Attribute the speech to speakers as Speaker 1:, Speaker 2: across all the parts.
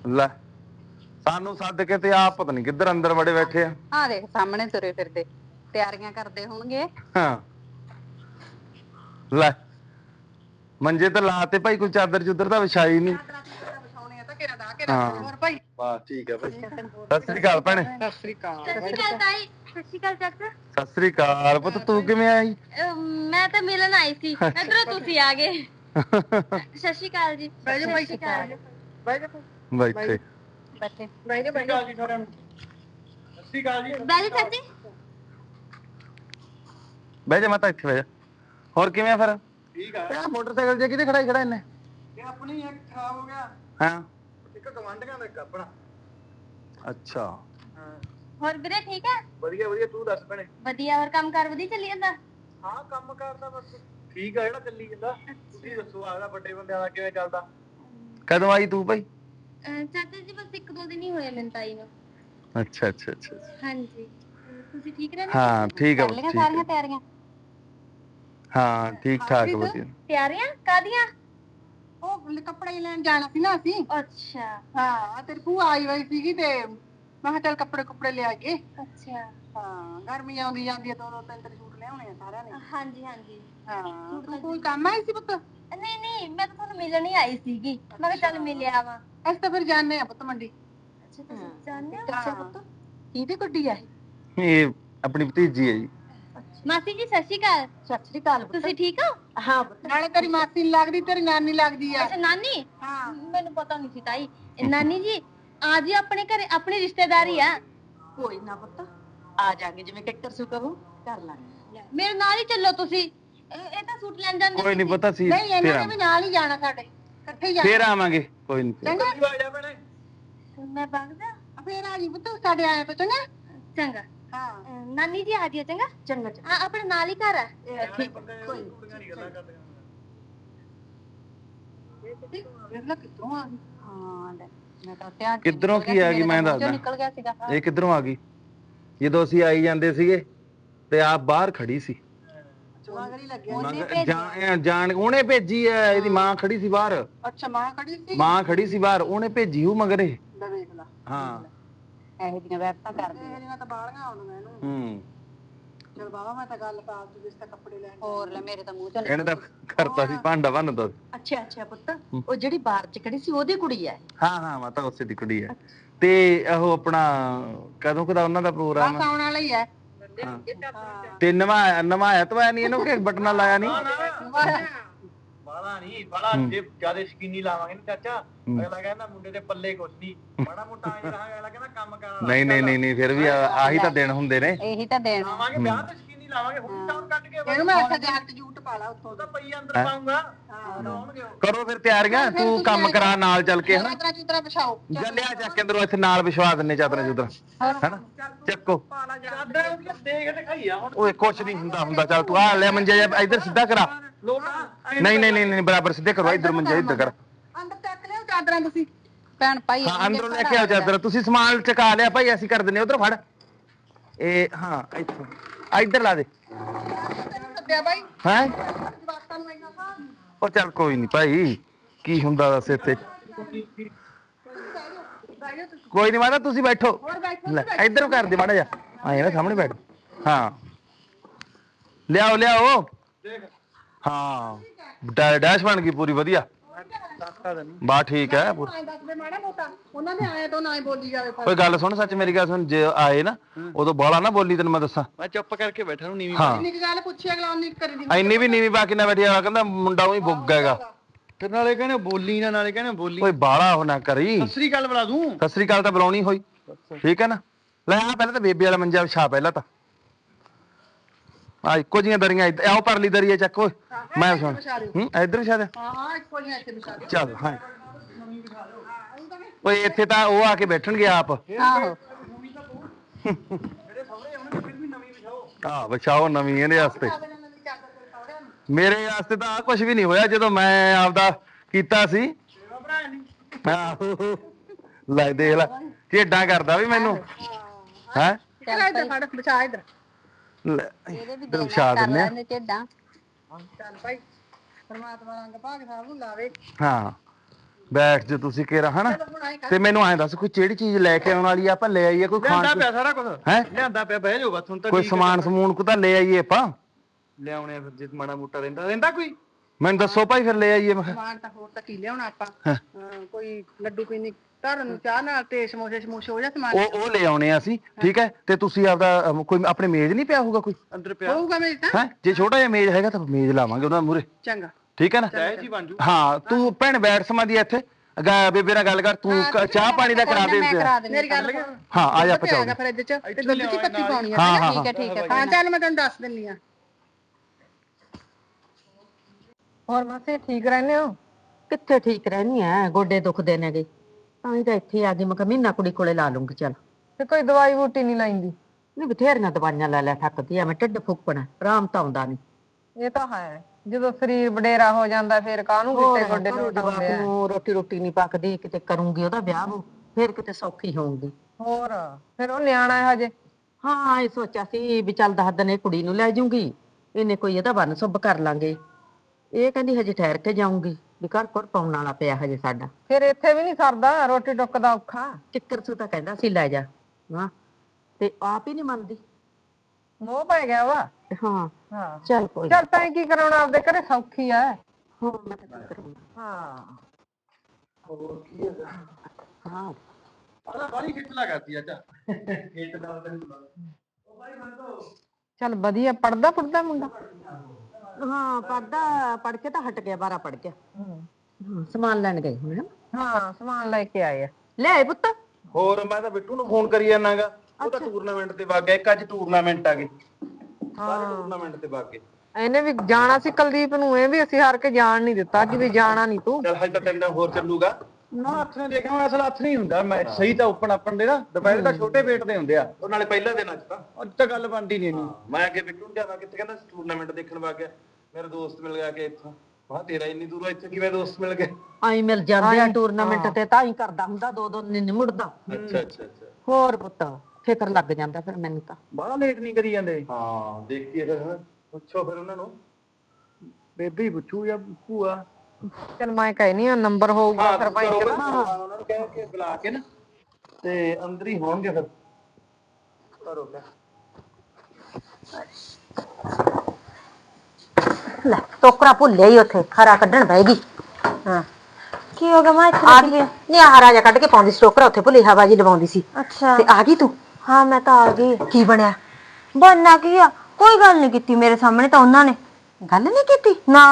Speaker 1: ਲੈ ਸਾਨੂੰ ਸੱਦ ਕੇ ਤੇ ਆਪ ਪਤਾ ਨਹੀਂ ਕਿੱਧਰ ਅੰਦਰ ਬੜੇ ਬੈਠੇ ਆ।
Speaker 2: ਆ ਦੇਖ ਸਾਹਮਣੇ ਤੁਰੇ ਫਿਰਦੇ ਤਿਆਰੀਆਂ ਕਰਦੇ ਹੋਣਗੇ।
Speaker 1: ਹਾਂ ਲੈ ਮੰਜੇ ਤੇ ਲਾਤੇ ਭਾਈ, ਕੋਈ ਚਾਦਰ ਚੁੱਦਰ ਤਾਂ ਵਿਛਾਈ ਨਹੀਂ।
Speaker 2: ਵਿਛਾਉਣੇ ਆ ਤਾਂ ਕਿਹੜਾ ਦਾ ਕੇ
Speaker 1: ਹਾਂ।
Speaker 2: ਰੱਖ ਹੋਰ ਭਾਈ।
Speaker 1: ਵਾਹ ਠੀਕ ਹੈ ਭਾਈ। ਸਤਿ ਸ੍ਰੀ ਅਕਾਲ ਭੈਣੇ।
Speaker 2: ਸਤਿ ਸ੍ਰੀ ਅਕਾਲ।
Speaker 3: ਸਤਿ ਸ਼੍ਰੀ ਅਕਾਲ ਤਾਈ। ਸਤਿ ਸ਼੍ਰੀ ਅਕਾਲ ਚਾਚਾ।
Speaker 1: ਸਤਿ ਸ੍ਰੀ ਅਕਾਲ ਪੁੱਤ, ਤੂੰ ਕਿਵੇਂ ਆਈ?
Speaker 3: ਮੈਂ ਤਾਂ ਮਿਲਣ ਆਈ ਸੀ, ਇਧਰੋਂ ਤੁਸੀਂ ਆ ਗਏ। ਸਤਿ ਸ਼੍ਰੀ ਅਕਾਲ ਜੀ।
Speaker 2: ਬਹਿ ਜਾ ਭਾਈ।
Speaker 3: ਸਤਿ ਸ਼੍ਰੀ ਅਕਾਲ।
Speaker 2: ਬਹਿ ਜਾ
Speaker 1: ਬੈਠੇ।
Speaker 2: ਬੈਠੇ ਬਹਿ ਜਾ ਬਹਿ ਜਾ ਜੀ ਸਾਰਿਆਂ ਨੂੰ। ਸਤਿ ਸ੍ਰੀ ਅਕਾਲ ਜੀ।
Speaker 3: ਬਾਜੀ ਚਾਚੀ।
Speaker 1: ਬਹਿ ਜਾ ਮਾਤਾ, ਇੱਥੇ ਬਹਿ ਜਾ। ਹੋਰ ਕਿਵੇਂ ਆ ਫਿਰ?
Speaker 2: ਠੀਕ ਆ।
Speaker 1: ਇਹ ਮੋਟਰਸਾਈਕਲ ਜੇ ਕਿਹਦੇ ਖੜਾ ਇਹਨੇ?
Speaker 2: ਇਹ ਆਪਣੀ ਇੱਕ ਖਰਾਬ ਹੋ ਗਿਆ।
Speaker 1: ਹਾਂ
Speaker 2: ਇੱਕ ਗਵਾਂਢੀਆਂ ਦਾ ਇੱਕ ਆਪਣਾ।
Speaker 1: ਅੱਛਾ।
Speaker 2: ਹਾਂ
Speaker 3: ਹੋਰ ਵੀਰੇ ਠੀਕ ਹੈ?
Speaker 2: ਵਧੀਆ ਵਧੀਆ, ਤੂੰ ਦੱਸ ਭੈਣੇ।
Speaker 3: ਵਧੀਆ। ਹੋਰ ਕੰਮ ਕਾਰ ਵਧੀਆ ਚੱਲੀ ਜਾਂਦਾ?
Speaker 2: ਹਾਂ ਕੰਮ ਕਰਦਾ ਬਸ ਠੀਕ ਆ, ਜਿਹੜਾ ਚੱਲੀ ਜਾਂਦਾ। ਤੁਸੀਂ ਦੱਸੋ ਆਦਾ ਵੱਡੇ ਬੰਦਿਆਂ ਦਾ ਕਿਵੇਂ ਚੱਲਦਾ?
Speaker 1: ਕਦੋਂ ਆਈ ਤੂੰ ਭਾਈ?
Speaker 3: ਚਾਚਾ ਜੀ ਬਸ 1-2 ਦਿਨ ਹੀ ਹੋਏ ਮੈਨੂੰ ਤਾਈ ਨੂੰ।
Speaker 1: ਅੱਛਾ ਅੱਛਾ ਅੱਛਾ।
Speaker 3: ਹਾਂਜੀ। ਤੁਸੀਂ ਠੀਕ ਰਹਿੰਦੇ?
Speaker 1: ਹਾਂ ਠੀਕ ਆ
Speaker 2: ਕਰ ਲਈਆਂ
Speaker 1: ਠੀਕ
Speaker 2: ਸਾਰੀਆਂ
Speaker 1: ਆ।
Speaker 2: ਤਿਆਰੀਆਂ?
Speaker 1: ਹਾਂ ਠੀਕ ਠਾਕ ਵਧੀਆ।
Speaker 3: ਤਿਆਰੀਆਂ ਕਾਦੀਆਂ?
Speaker 2: ਉਹ ਕੱਪੜੇ ਲੈਣ ਜਾਣਾ ਸੀ ਨਾ ਅਸੀਂ।
Speaker 3: ਅੱਛਾ
Speaker 2: ਹਾਂ ਤੇਰੀ ਭੂਆ ਆਈ ਹੋਈ ਸੀਗੀ ਤੇ ਮੈਂ ਕਿਹਾ ਚੱਲ ਕੱਪੜੇ ਲਿਆ ਕੇ।
Speaker 3: ਅੱਛਾ।
Speaker 2: ਹਾਂ ਗਰਮੀ ਆਉਂਦੀ ਜਾਂਦੀ ਹੈ, 2-3 ਸੂਟ ਲਿਆਉਣੇ ਆ ਸਾਰਿਆਂ ਨੇ।
Speaker 3: ਹਾਂਜੀ ਹਾਂਜੀ।
Speaker 2: ਹਾਂ ਤੂੰ ਕੋਈ ਕੰਮ ਆਈ ਸੀ ਪੁੱਤ?
Speaker 3: ਨਹੀਂ ਨਹੀਂ, ਮੈਂ ਤਾਂ ਤੁਹਾਨੂੰ ਮਿਲਣ ਹੀ ਆਈ ਸੀਗੀ। ਮੈਂ ਕਿਹਾ ਚੱਲ ਮਿਲ ਆਵਾਂ।
Speaker 2: ਅਸੀਂ ਤਾਂ ਫਿਰ ਜਾਣੇ ਆ ਪੁੱਤ ਮੰਡੀ।
Speaker 3: ਅੱਛਾ ਤੁਸੀਂ ਜਾਣਦੇ ਹੋ?
Speaker 2: ਅੱਛਾ ਪੁੱਤ ਕਿਹਦੀ ਗੱਡੀ ਆ
Speaker 1: ਇਹ ਆਪਣੀ ਭਤੀਜੀ ਹੈ ਜੀ।
Speaker 3: ਮਾਸੀ ਜੀ ਸਤਿ ਸ਼੍ਰੀ ਅਕਾਲ।
Speaker 2: ਸਤਿ ਸ੍ਰੀ ਅਕਾਲ।
Speaker 3: ਤੁਸੀਂ ਠੀਕ ਹੋ?
Speaker 2: ਹਾਂ ਨਾਲੇ ਤੇਰੀ ਮਾਸੀ ਨੀ ਲੱਗਦੀ, ਤੇਰੀ ਨਾਨੀ ਲੱਗਦੀ ਆ।
Speaker 3: ਅੱਛਾ ਨਾਨੀ।
Speaker 2: ਹਾਂ
Speaker 3: ਮੈਨੂੰ ਪਤਾ ਨਹੀਂ ਸੀ ਤਾਈ। ਨਾਨੀ ਜੀ ਆ ਜੀ ਆਪਣੇ ਘਰੇ, ਆਪਣੀ ਰਿਸ਼ਤੇਦਾਰੀ ਆ।
Speaker 2: ਕੋਈ ਨਾ ਪੁੱਤ ਆ ਜਾਗੇ, ਜਿਵੇਂ ਕਿੱਕਰ ਸੁ ਕਹੂ ਕਰ ਲਾਂਗੇ।
Speaker 3: ਮੇਰੇ ਨਾਲ ਹੀ ਚੱਲੋ ਤੁਸੀਂ। ਇਹ ਤਾਂ ਸੂਟ ਲੈਣ ਜਾਂਦੇ
Speaker 1: ਕੋਈ ਨਹੀਂ ਪਤਾ ਸੀ
Speaker 2: ਨਹੀਂ
Speaker 1: ਫਿਰ
Speaker 2: ਇਹਨਾਂ ਨੇ ਵੀ ਨਾਲ ਹੀ ਜਾਣਾ, ਸਾਡੇ ਇਕੱਠੇ ਹੀ ਜਾਣਾ।
Speaker 1: ਫੇਰ ਆਵਾਂਗੇ ਕੋਈ ਨਹੀਂ।
Speaker 2: ਚੰਗਾ ਆ ਜਾ ਭੈਣੇ।
Speaker 3: ਮੈਂ ਵਗਦਾ।
Speaker 2: ਫੇਰ ਆ ਜੀ ਪੁੱਤ ਸਾਡੇ ਆਏ ਤੋਂ। ਚੰਗਾ
Speaker 3: ਚੰਗਾ।
Speaker 2: ਹਾਂ
Speaker 3: ਨਾਨੀ ਜੀ ਆ ਜਿਓ। ਚੰਗਾ
Speaker 2: ਚੰਗਾ
Speaker 3: ਆ ਆਪਣੇ ਨਾਲ ਹੀ ਘਰ ਆ।
Speaker 2: ਠੀਕ ਕੋਈ ਨਹੀਂ ਗੱਲਾਂ ਕਰਦੇ। ਵੇਖ ਲੈ ਕਿੱਧਰੋਂ ਆ ਗਈ। ਹਾਂ ਲੈ ਮੈਂ ਤਾਂ ਧਿਆਨ
Speaker 1: ਕਿੱਧਰੋਂ ਕੀ ਆ ਗਈ ਮੈਂ ਦੱਸਦਾ।
Speaker 2: ਨਿਕਲ ਗਿਆ ਸੀਗਾ।
Speaker 1: ਇਹ ਕਿੱਧਰੋਂ ਆ ਗਈ? ਜਦੋਂ ਅਸੀਂ ਆਈ ਜਾਂਦੇ ਸੀਗੇ ਤੇ ਆਪ ਬਾਹਰ ਖੜੀ ਸੀ।
Speaker 2: ਚਵਾਗਰੀ ਲੱਗਿਆ।
Speaker 1: ਜਾਣ ਉਹਨੇ ਭੇਜੀ ਐ, ਇਹਦੀ ਮਾਂ ਖੜੀ ਸੀ ਬਾਹਰ।
Speaker 2: ਅੱਛਾ ਮਾਂ ਖੜੀ ਸੀ।
Speaker 1: ਮਾਂ ਖੜੀ ਸੀ ਬਾਹਰ, ਉਹਨੇ ਭੇਜੀ ਹੂ ਮਗਰੇ।
Speaker 2: ਲੈ ਵੇਖ ਲਾ।
Speaker 1: ਹਾਂ
Speaker 2: ਇਹੋ ਜਿਹੀਆਂ ਵੈਰਤਾਂ ਕਰਦੇ ਇਹ ਜਿਹੀਆਂ ਤਾਂ ਬਾਲੀਆਂ ਆਉਂਦੀਆਂ ਇਹਨੂੰ।
Speaker 1: ਹੂੰ
Speaker 2: ਚਲ ਬਾਬਾ ਮੈਂ ਤਾਂ ਗੱਲ ਪਾ ਤੂੰ ਜਿਸ ਤਾਂ ਕੱਪੜੇ ਲੈਣ ਹੋਰ ਲੈ ਮੇਰੇ ਤਾਂ ਮੂੰਹ ਚ
Speaker 1: ਇਹਨੇ ਤਾਂ ਕਰਤਾ ਸੀ ਭਾਂਡਾ ਭੰਨਦਾ।
Speaker 2: ਅੱਛਾ ਅੱਛਾ ਪੁੱਤ ਉਹ ਜਿਹੜੀ ਬਾਹਰ ਚ ਖੜੀ ਸੀ ਉਹਦੀ ਕੁੜੀ ਐ।
Speaker 1: ਹਾਂ ਹਾਂ ਮਾਤਾ ਉਸੇ ਦੀ ਕੁੜੀ ਐ। ਤੇ ਉਹ ਆਪਣਾ ਕਦੋਂ ਕਦਾ ਉਹਨਾਂ ਦਾ ਪ੍ਰੋਗਰਾਮ
Speaker 2: ਬਸ ਆਉਣ ਵਾਲਾ ਹੀ ਐ।
Speaker 1: ਤੇ ਨਵਾਇਆ ਤਾਂ ਨਹੀਂ ਇਹਨੂੰ ਕਿ ਬਟਨਾ ਲਾਇਆ ਨਹੀਂ?
Speaker 4: ਬਾਲਾ ਨਹੀਂ ਬਾਲਾ ਜੇ ਜਿਆਦਾ ਸ਼ਕੀਨੀ ਲਾਵਾਂਗੇ ਨਾ ਚਾਚਾ, ਅਗਲਾ ਕਹਿੰਦਾ ਮੁੰਡੇ ਦੇ ਪੱਲੇ ਕੁਛ ਨਹੀਂ, ਮਾੜਾ ਮੋਟਾ ਆਏ ਰਹਾਂਗੇ, ਅਗਲਾ ਕਹਿੰਦਾ ਕੰਮ ਕਰਨ ਵਾਲਾ।
Speaker 1: ਨਹੀਂ ਫਿਰ ਵੀ ਆਹੀ ਤਾਂ ਦਿਨ ਹੁੰਦੇ ਨੇ।
Speaker 2: ਇਹੀ ਤਾਂ ਦੇਣ
Speaker 4: ਲਾਵਾਂਗੇ ਵਿਆਹ ਤੇ ਸ਼ਕੀਨੀ ਲਾਵਾਂਗੇ, ਹੁਣ ਟਾਉਨ ਕੱਢ ਕੇ
Speaker 2: ਇਹਨੂੰ ਮੈਂ ਆਖਿਆ ਜੈਕਟ ਜੂਟ ਪਾ ਲਾ ਉੱਤੋਂ
Speaker 4: ਤਾਂ ਪਈ ਅੰਦਰ ਪਾਉਂਗਾ। ਆਉਣਗੇ
Speaker 1: ਕਰੋ ਫਿਰ ਤਿਆਰੀਆਂ, ਤੂੰ ਕੰਮ ਕਰਾ ਨਾਲ ਚੱਲ ਕੇ ਹਨਾ।
Speaker 2: ਚਾਦਰਾਂ ਚੂਦਰਾਂ ਵਿਛਾਓ।
Speaker 1: ਜਾਂ ਲਿਆ ਚੱਕ ਕੇ ਅੰਦਰੋਂ ਇੱਥੇ ਨਾਲ ਵਿਛਵਾ ਦਿੰਨੇ ਚਾਦਰਾਂ ਚੂਦਰਾਂ ਹਨਾ। ਚੱਕੋ
Speaker 4: ਚਾਦਰ ਉਹਦੀਆਂ ਦੇਖ ਦਿਖਾਈ ਆ ਹੁਣ।
Speaker 1: ਓਏ ਕੁਛ ਨਹੀਂ ਹੁੰਦਾ ਚੱਲ ਤੂੰ ਆ ਲੈ ਮੰਜਾ ਜਿਹਾ ਇੱਧਰ ਸਿੱਧਾ ਕਰਾ। ਨਹੀਂ ਬਰਾਬਰ ਸਿੱਧੇ ਕਰਵਾ, ਇੱਧਰ ਮੰਜਾ ਇੱਧਰ ਕਰ।
Speaker 2: ਅੰਦਰ ਚੱਕ ਲਿਓ ਚਾਦਰਾਂ ਤੁਸੀਂ ਭੈਣ ਭਾਈ।
Speaker 1: ਹਾਂ ਅੰਦਰੋਂ ਲੈ ਕੇ ਆਓ ਚਾਦਰ। ਤੁਸੀਂ ਸਮਾਨ ਚਕਾ ਲਿਆ ਭਾਈ, ਅਸੀਂ ਕਰ ਦਿੰਨੇ। ਉਧਰ ਫੜ ਇਹ। ਹਾਂ ਇੱਥੋਂ ਇੱਧਰ ਲਾ ਦੇ।
Speaker 2: ਸੱਦਿਆ ਬਾਈ
Speaker 1: ਹੈਂ
Speaker 2: ਜਵਾਕਾਂ ਨੂੰ ਇੰਨਾ ਸਾਹ।
Speaker 1: ਉਹ ਚੱਲ ਕੋਈ ਨਹੀਂ ਭਾਈ, ਕੀ ਹੁੰਦਾ ਦੱਸ ਇੱਥੇ। ਕੋਈ ਨਹੀਂ ਮਾਤਾ ਤੁਸੀਂ ਬੈਠੋ। ਲੈ ਇੱਧਰ ਕਰ ਦੇ ਮਾੜਾ ਜਿਹਾ ਆਏ ਨਾ ਸਾਹਮਣੇ ਬੈਠ। ਹਾਂ ਲਿਆਓ। ਹਾਂ ਡੈਸ਼ ਬਣ ਗਈ ਪੂਰੀ ਵਧੀਆ। ਬਾ ਠੀਕ ਹੈ।
Speaker 2: ਮਾੜਾ ਮੋਟਾ ਉਹਨਾਂ ਨੇ ਆਏ ਤੋਂ ਨਾ ਹੀ ਬੋਲੀ ਜਾਵੇ।
Speaker 1: ਓਏ ਗੱਲ ਸੁਣ, ਸੱਚ ਮੇਰੀ ਗੱਲ ਸੁਣ, ਜੇ ਆਏ ਨਾ ਉਦੋਂ ਬਾਹਲਾ ਨਾ ਬੋਲੀ, ਤੈਨੂੰ ਮੈਂ ਦੱਸਾਂ।
Speaker 4: ਮੈਂ ਚੁੱਪ ਕਰਕੇ ਬੈਠਾ ਨੂੰ ਨੀਵੀਂ।
Speaker 1: ਹਾਂ
Speaker 2: ਇੰਨੀ ਗੱਲ ਪੁੱਛੀ ਅਗਲਾ ਉਨੀ ਕਰੀ ਦੀ।
Speaker 1: ਇੰਨੀ ਵੀ ਨੀਵੀਂ ਪਾ ਕੇ ਨਾ ਬੈਠਿਆ, ਕਹਿੰਦਾ ਮੁੰਡਾ ਉਹੀ ਬੁੱਗ ਹੈਗਾ।
Speaker 4: ਤੇ ਨਾਲੇ ਕਹਿੰਦੇ ਬੋਲੀ ਨਾ, ਨਾਲੇ ਕਹਿੰਦੇ ਬੋਲੀ।
Speaker 1: ਓਏ ਬਾਹਲਾ ਉਹ ਨਾ ਕਰੀ।
Speaker 4: ਸਤਿ ਸ੍ਰੀ ਅਕਾਲ ਬੁਲਾ ਦੂੰ।
Speaker 1: ਸਤਿ ਸ੍ਰੀ ਅਕਾਲ ਤਾਂ ਬੁਲਾਉਣੀ ਹੋਈ, ਠੀਕ ਹੈ ਨਾ। ਲੈ ਆ ਪਹਿਲਾਂ ਤਾਂ ਬੇਬੇ ਵਾਲਾ ਮੰਜਾ ਵਿਛਾ ਪਹਿਲਾਂ ਤਾਂ। ਆ ਇੱਕੋ ਜਿਹੀਆਂ ਦਰੀਆਂ ਆਓ ਪਰਲੀ ਦਰੀਏ ਚੱਕ। ਓਏ ਮੈਂ ਵਿਛਾਉਣਾ ਇੱਧਰ ਵਿਛਾ ਦੇ।
Speaker 2: ਹਾਂ ਇੱਕੋ ਜਿਹਾ ਇੱਥੇ ਵਿਛਾ ਦੇ।
Speaker 1: ਚੱਲ ਹਾਂ ਓਏ ਇੱਥੇ ਤਾਂ ਉਹ ਆ ਕੇ ਬੈਠਣਗੇ ਆਪ।
Speaker 2: ਆਹੋ
Speaker 1: ਆਹ ਵਿਛਾਓ ਨਵੀਂ ਇਹਦੇ ਵਾਸਤੇ। ਮੇਰੇ ਵਾਸਤੇ ਤਾਂ ਆ ਕੁਝ ਵੀ ਨਹੀਂ ਹੋਇਆ ਜਦੋਂ ਮੈਂ ਆਪਦਾ ਕੀਤਾ ਸੀ। ਲੈ ਦੇਖ ਲੈ ਢੇਡਾਂ ਕਰਦਾ ਵੀ ਮੈਨੂੰ ਹੈ।
Speaker 2: ਇੱਧਰ ਫੜ ਵਿਛਾ ਇੱਧਰ।
Speaker 1: ਇੱਧਰ ਵਿਛਾ ਦਿੰਨੇ ਆ।
Speaker 2: ਚੱਲ ਭਾਈ ਪਰਮਾਤਮਾ ਰੰਗ ਭਾਗ ਸਾਹਿਬ ਨੂੰ ਲਾਵੇ।
Speaker 1: ਹਾਂ ਬੈਠ ਜੇ ਤੁਸੀਂ ਕਿਹੜਾ ਹਨਾ ਤੇ ਮੈਨੂੰ ਐਂ ਦੱਸ ਕੋਈ ਜਿਹੜੀ ਚੀਜ਼ ਲੈ ਕੇ ਆਉਣ ਵਾਲੀ ਆ ਆਪਾਂ ਲੈ ਆਈਏ ਕੋਈ ਖਾਣ
Speaker 4: ਲਿਆਂਦਾ ਪਿਆ ਸਾਰਾ ਕੁਝ
Speaker 1: ਹੈਂ?
Speaker 4: ਲਿਆਂਦਾ ਪਿਆ ਬਹਿ ਜਾਓ ਬਸ ਹੁਣ ਤਾਂ
Speaker 1: ਕੋਈ
Speaker 4: ਠੀਕ ਆ।
Speaker 1: ਸਮਾਨ ਸਮੂਨ ਕੋ ਤਾਂ ਲੈ ਆਈਏ ਆਪਾਂ
Speaker 4: ਲਿਆਉਣੇ ਆ ਫਿਰ ਜੇ ਮਾੜਾ ਮੋਟਾ ਰਹਿੰਦਾ ਕੋਈ
Speaker 1: ਮੈਨੂੰ ਦੱਸੋ ਭਾਈ ਫਿਰ ਲੈ ਆਈਏ ਮੈਂ ਕਿਹਾ।
Speaker 5: ਸਮਾਨ ਤਾਂ ਹੋਰ ਤਾਂ ਕੀ ਲਿਆਉਣਾ ਆਪਾਂ ਕੋਈ ਲੱਡੂ ਪੀਣੀ ਧਰਨ ਨੂੰ ਚਾਹ ਨਾਲ ਤੇ ਸਮੋਸੇ ਸਮੂਸੇ ਹੋ ਜਾ ਸਮਾਨ
Speaker 1: ਉਹ ਲੈ ਆਉਣੇ ਆ ਅਸੀਂ ਠੀਕ ਹੈ ਤੇ ਤੁਸੀਂ ਆਪਦਾ ਕੋਈ ਆਪਣੇ ਮੇਜ਼ ਨਹੀਂ ਪਿਆ ਹੋਊਗਾ ਕੋਈ
Speaker 4: ਅੰਦਰ ਪਿਆ
Speaker 5: ਹੋਊਗਾ ਮੇਰੇ ਤਾਂ
Speaker 1: ਹੈ ਜੇ ਛੋਟਾ ਜਿਹਾ ਮੇਜ਼ ਹੈਗਾ ਤਾਂ ਮੇਜ਼ ਲਾਵਾਂਗੇ ਉਹਨਾਂ ਮੂਰੇ
Speaker 5: ਚੰਗਾ
Speaker 1: ਠੀਕ ਹੈ ਨਾ
Speaker 4: ਸਹਿਜ ਹੀ ਬਣ ਜੂ
Speaker 1: ਹਾਂ ਤੂੰ ਭੈਣ ਬੈਠ ਸਮਾਦੀ ਇੱਥੇ ਬੇਬੇ ਨਾਲ ਗੱਲ ਕਰ ਤੂੰ ਚਾਹ ਪਾਣੀ ਦਾ ਕਰਾ ਦੇ
Speaker 5: ਮੇਰੀ ਗੱਲ
Speaker 1: ਹਾਂ ਆ ਜਾ ਪਚਾਓ
Speaker 5: ਫਰਿੱਜ ਚ ਤੇ ਦੁੱਧ ਦੀ ਪੱਤੀ ਪਾਉਣੀ ਆ
Speaker 1: ਹਾਂ ਹਾਂ
Speaker 3: ਠੀਕ ਹੈ ਠੀਕ ਹੈ
Speaker 5: ਹਾਂ ਚੱਲ ਮੈਂ ਤੈਨੂੰ ਦੱਸ ਦਿੰਨੀ ਆ
Speaker 6: ਹੋਰ ਮਾਸੇ ਠੀਕ ਰਹਿੰਦੇ ਹੋ?
Speaker 7: ਕਿੱਥੇ ਠੀਕ ਰਹਿਣੀ ਐ ਗੋਡੇ ਦੁਖਦੇ ਨੇਗੇ ਤਾਂ ਹੀ ਤਾਂ ਇੱਥੇ ਆ ਗਈ ਮੈਂ ਕਿਹਾ ਮਹੀਨਾ ਕੁੜੀ ਕੋਲੇ ਲਾ ਲੂੰਗੀ ਚੱਲ
Speaker 6: ਤੇ ਕੋਈ ਦਵਾਈ ਬੂਟੀ ਨਹੀਂ ਲਾਈਂਦੀ?
Speaker 7: ਨਹੀਂ ਬਥੇਰੀਆਂ ਦਵਾਈਆਂ ਲੈ ਲੈ ਥੱਕਦੀ ਆ ਮੈਂ ਢਿੱਡ ਫੁੱਕਣਾ ਆਰਾਮ ਤਾਂ ਆਉਂਦਾ ਨਹੀਂ
Speaker 6: ਇਹ ਤਾਂ ਹੈ ਜਦੋਂ ਸਰੀਰ ਵਡੇਰਾ ਹੋ ਜਾਂਦਾ ਫਿਰ ਕਾਹਨੂੰ ਕਿਤੇ ਗੋਡੇ ਲੋਟ ਹੁੰਦੇ ਆ।
Speaker 7: ਨੂੰ ਰੋਟੀ ਨਹੀਂ ਪੱਕਦੀ ਕਿਤੇ ਕਰੂੰਗੀ ਉਹਦਾ ਵਿਆਹ ਉਹ ਫਿਰ ਕਿਤੇ ਸੌਖੀ ਹੋਊਗੀ
Speaker 6: ਹੋਰ ਫਿਰ ਉਹ ਨਿਆਣਾ ਹੈ ਹਜੇ।
Speaker 7: ਹਾਂ ਇਹ ਸੋਚਿਆ ਸੀ ਵੀ ਚੱਲ 10 ਦਿਨ ਇਹ ਕੁੜੀ ਨੂੰ ਲੈ ਜਾਊਂਗੀ ਇਹਨੇ ਕੋਈ ਇਹਦਾ ਬੰਨ ਸੁੱਭ ਕਰ ਲਾਂਗੇ ਇਹ ਕਹਿੰਦੀ ਹਜੇ ਠਹਿਰ ਕੇ ਜਾਊਂਗੀ ਵੀ ਘਰ ਕੋਲ ਪਾਉਣ ਵਾਲਾ ਪਿਆ ਹਜੇ ਸਾਡਾ
Speaker 6: ਫਿਰ ਇੱਥੇ ਵੀ ਨਹੀਂ ਸਰਦਾ ਰੋਟੀ ਟੁੱਕ ਦਾ ਔਖਾ।
Speaker 7: ਚੱਕਰ ਸੂ ਤਾਂ ਕਹਿੰਦਾ ਸੀ ਲੈ ਜਾ ਹਾਂ ਤੇ ਆਪ ਹੀ ਨਹੀਂ ਮੰਨਦੀ
Speaker 6: ਮੋਹ ਪੈ ਗਿਆ ਵਾ।
Speaker 7: ਹਾਂ
Speaker 6: ਹਾਂ
Speaker 7: ਚੱਲ ਕੋਈ
Speaker 6: ਚੱਲ ਤੈਂ ਕੀ ਕਰਾਉਣਾ ਆਪਦੇ ਘਰੇ ਸੌਖੀ ਆ।
Speaker 7: ਹੋਰ ਮੈਂ ਤਾਂ ਕੀ ਕਰੂੰਗੀ
Speaker 6: ਹਾਂ
Speaker 4: ਹੋਰ ਕੀ ਹੈ
Speaker 7: ਹਾਂ
Speaker 4: ਆਹ ਬਾਲੀ ਖਿੱਚਲਾ ਕਰਦੀ ਅੱਜ ਖੇਤ ਨਾਲ ਤੈਨੂੰ ਉਹ ਬਾਈ ਮੰਨੋ
Speaker 6: ਚੱਲ ਵਧੀਆ ਪੜਦਾ ਮੁੰਡਾ।
Speaker 7: ਹਾਂ ਪੜ ਕੇ ਤਾਂ ਹਟ ਗਿਆ 12 ਪੜ ਗਿਆ ਸਮਾਨ ਲੈਣ ਗਏ ਹੁਣ
Speaker 6: ਹਾਂ ਸਮਾਨ ਲੈ ਕੇ ਆਏ ਆ।
Speaker 7: ਲੈ ਆਏ ਪੁੱਤ
Speaker 4: ਹੋਰ ਮੈਂ ਤਾਂ ਬਿੱਟੂ ਨੂੰ ਫੋਨ ਕਰੀ ਜਾਣਾਗਾ ਉਹ ਤਾਂ ਟੂਰਨਾਮੈਂਟ ਤੇ ਵਗ ਗਿਆ ਇੱਕ ਅੱਜ ਟੂਰਨਾਮੈਂਟ ਆ ਗਏ ਸਾਰੇ ਟੂਰਨਾਮੈਂਟ ਤੇ ਵਗ ਗਏ
Speaker 6: ਇਹਨੇ ਵੀ ਜਾਣਾ ਸੀ ਕੁਲਦੀਪ ਨੂੰ ਇਹ ਵੀ ਅਸੀਂ ਹਾਰ ਕੇ ਜਾਣ ਨਹੀਂ ਦਿੱਤਾ ਕਿ ਵੀ ਜਾਣਾ ਨਹੀਂ ਤੂੰ।
Speaker 4: ਚੱਲ ਹਜੇ ਤਾਂ 3 ਦਿਨ ਹੋਰ ਚੱਲੂਗਾ ਨਾ ਹੱਥ ਨੇ ਦੇਖਿਆ ਅਸਲ ਹੱਥ ਨਹੀਂ ਹੁੰਦਾ ਮੈਂ ਸਹੀ ਤਾਂ ਓਪਨ ਆਪਣ ਦੇ ਨਾ ਦੁਪਹਿਰ ਤਾਂ ਛੋਟੇ ਵੇਟ ਦੇ ਹੁੰਦੇ ਆ ਉਹ ਨਾਲੇ ਪਹਿਲਾ ਦਿਨ ਅੱਜ ਤਾਂ ਗੱਲ ਬਣਦੀ ਨਹੀਂ ਇੰਨੀ ਮੈਂ ਅੱਗੇ ਬਿੱਟੂ ਨੂੰ ਜਾਣਾ ਕਿੱਥੇ ਕਹਿੰਦਾ ਟੂਰਨਾਮੈਂਟ ਦੇਖਣ ਵਗ ਗਿਆ ਮੇਰਾ ਦੋਸਤ ਮਿਲ ਗਿਆ ਕਿ ਇੱਥੋਂ ਵਾਹ ਤੇਰਾ ਇੰਨੀ ਦੂਰੋਂ ਇੱਥੇ ਕਿਵੇਂ ਦੋਸਤ ਮਿਲ ਗਏ
Speaker 7: ਆਈ ਮਿਲ ਜਾਂਦੇ ਆ ਟੂਰਨਾਮੈਂਟ ਤੇ ਤਾਂ ਹੀ ਕਰਦਾ ਹੁੰਦਾ 2-2 ਦਿਨ ਨਹੀਂ ਮੁੜਦਾ
Speaker 4: ਅੱਛਾ
Speaker 7: ਹੋਰ ਪੁੱਤ ਫਿਕਰ ਲੱਗ ਜਾਂਦਾ ਫਿਰ ਮੈਨੂੰ ਤਾਂ
Speaker 4: ਬਾਹਲਾ ਲੇਟ ਨਹੀਂ ਕਰੀ ਜਾਂਦੇ ਹਾਂ ਦੇਖੀਏ ਫਿਰ ਹੁਣ ਪੁੱਛੋ ਫਿਰ ਉਹਨਾਂ ਨੂੰ ਬੇਬੀ ਪੁੱਛੂ ਜਾਂ ਭੂਆ
Speaker 6: ਚੱਲ ਮੈਂ ਕਹਿਨੀ ਆ ਨੰਬਰ ਹੋਊਗਾ ਸਰਪੰਚ ਦਾ।
Speaker 4: ਉਹਨਾਂ ਨੂੰ ਕਹਿ ਕੇ ਬੁਲਾ ਕੇ ਨਾ ਤੇ ਅੰਦਰ ਹੀ ਹੋਣਗੇ ਫਿਰ ਕਰੋ ਕਿਆ
Speaker 7: ਲੈ ਟੋਕਰਾ ਭੁੱਲਿਆ ਹੀ ਉੱਥੇ ਖਰਾ ਕੱਢਣ ਬੈਗੀ ਹਾਂ
Speaker 3: ਕੀ ਹੋ ਗਿਆ ਮੈਂ
Speaker 7: ਆ ਗਈ ਨਹੀਂ ਆ ਰਾਜਾ ਕੱਢ ਕੇ ਪਾਉਂਦੀ ਸੀ ਟੋਕਰਾ ਉੱਥੇ ਭੁੱਲੀ ਹਵਾ ਜੀ ਲਵਾਉਂਦੀ ਸੀ
Speaker 3: ਅੱਛਾ
Speaker 7: ਤੇ ਆ ਗਈ ਤੂੰ
Speaker 3: ਹਾਂ ਮੈਂ ਤਾਂ ਆ ਗਈ।
Speaker 7: ਕੀ ਬਣਿਆ
Speaker 3: ਬਣਨਾ ਕੀ ਆ ਕੋਈ ਗੱਲ ਨਹੀਂ ਕੀਤੀ ਮੇਰੇ ਸਾਹਮਣੇ ਤਾਂ ਉਹਨਾਂ ਨੇ
Speaker 7: ਗੱਲ ਨਹੀਂ ਕੀਤੀ
Speaker 3: ਨਾ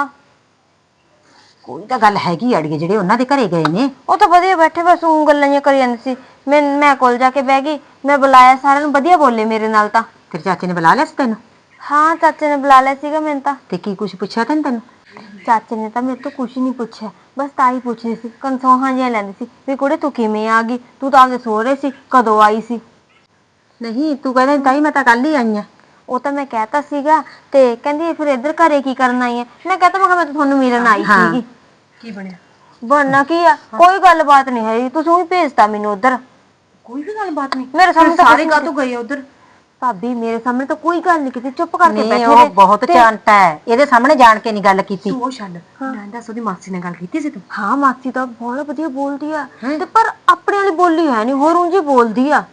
Speaker 7: ਕੋਈ ਤਾਂ ਗੱਲ ਹੈਗੀ ਅੜੀਏ ਜਿਹੜੇ ਉਹਨਾਂ ਦੇ ਘਰੇ ਗਏ ਨੇ
Speaker 3: ਉਹ ਤਾਂ ਵਧੀਆ ਬੈਠੇ ਬਸ ਉਹ ਗੱਲਾਂ ਜਿਹੀਆਂ ਕਰੀ ਜਾਂਦੇ ਸੀ ਮੈਂ ਕੋਲ ਜਾ ਕੇ ਬਹਿ ਗਈ ਮੈਂ ਬੁਲਾਇਆ ਸਾਰਿਆਂ ਨੂੰ ਵਧੀਆ ਬੋਲੇ ਮੇਰੇ ਨਾਲ ਤਾਂ।
Speaker 7: ਤੇਰੇ ਚਾਚੇ ਨੇ ਬੁਲਾ ਲਿਆ ਸੀ ਤੈਨੂੰ
Speaker 3: ਹਾਂ ਚਾਚੇ ਨੇ ਬੁਲਾ ਲਿਆ ਸੀਗਾ ਮੈਨੂੰ ਤਾਂ।
Speaker 7: ਤੇ ਕੀ ਕੁਛ ਪੁੱਛਿਆ ਤੈਨੂੰ
Speaker 3: ਚਾਚੇ ਨੇ ਤਾਂ ਮੇਰੇ ਤੋਂ ਕੁਝ ਨਹੀਂ ਪੁੱਛਿਆ ਬਸ ਤਾਈ ਪੁੱਛਦੀ ਸੀ ਕਨਸੋਹਾਂ ਜਿਹੀਆਂ ਲੈਂਦੀ ਸੀ ਵੀ ਕੁੜੇ ਤੂੰ ਕਿਵੇਂ ਆ ਗਈ ਤੂੰ ਤਾਂ ਆਪਦੇ ਸਹੁਰੇ ਸੀ ਕਦੋਂ ਆਈ ਸੀ।
Speaker 7: ਨਹੀਂ ਤੂੰ ਕਹਿੰਦਾ ਤਾਈ ਮੈਂ ਤਾਂ ਕੱਲ ਹੀ ਆਈ ਆ
Speaker 3: ਉਹ ਤਾਂ ਮੈਂ ਕਹਿਤਾ ਸੀਗਾ ਤੇ ਕਹਿੰਦੀ ਫਿਰ ਇੱਧਰ ਘਰੇ ਕੀ ਕਰਨ ਆਈ ਹੈ ਮੈਂ ਕਹਤਾ ਮੈਂ ਤਾਂ ਤੁਹਾਨੂੰ ਮਿਲਣ ਆਈ ਸੀਗੀ।
Speaker 7: ਕੀ ਬਣਿਆ
Speaker 3: ਬਣਨਾ ਕੀ ਆ ਕੋਈ ਗੱਲਬਾਤ ਨਹੀਂ ਹੈ ਤੁਸੀਂ ਉਹੀ ਭੇਜਤਾ ਮੈਨੂੰ ਉਧਰ
Speaker 7: ਕੋਈ ਵੀ ਗੱਲਬਾਤ ਨਹੀਂ
Speaker 3: ਮੇਰੇ ਸਾਹਮਣੇ ਤਾਂ
Speaker 7: ਸਾਰੇ ਕਾਹਤੋਂ ਗਏ ਉਧਰ
Speaker 3: ਭਾਬੀ ਮੇਰੇ ਸਾਹਮਣੇ ਤਾਂ ਕੋਈ ਗੱਲ ਨਹੀਂ ਕੀਤੀ ਚੁੱਪ ਕਰਕੇ
Speaker 7: ਨਹੀਂ
Speaker 3: ਬੈਠੇ
Speaker 7: ਉਹ
Speaker 3: ਰਹੇ
Speaker 7: ਬਹੁਤ ਚਾਂਟਾ ਹੈ ਇਹਦੇ ਸਾਹਮਣੇ ਜਾਣ ਕੇ ਨਹੀਂ ਗੱਲ ਕੀਤੀ
Speaker 6: ਉਹ ਛੱਡ ਮੈਂ ਦੱਸ ਉਹਦੀ ਮਾਸੀ ਨਾਲ ਗੱਲ ਕੀਤੀ ਸੀ ਤੂੰ?
Speaker 3: ਹਾਂ ਮਾਸੀ ਤਾਂ ਬਹੁਤ ਵਧੀਆ ਬੋਲਦੀ ਆ ਤੇ ਪਰ ਆਪਣੇ ਵਾਲੀ ਬੋਲੀ ਹੈ ਨਹੀਂ ਹੋਰ ਉਂਝ ਹੀ ਬੋਲਦੀ ਆ।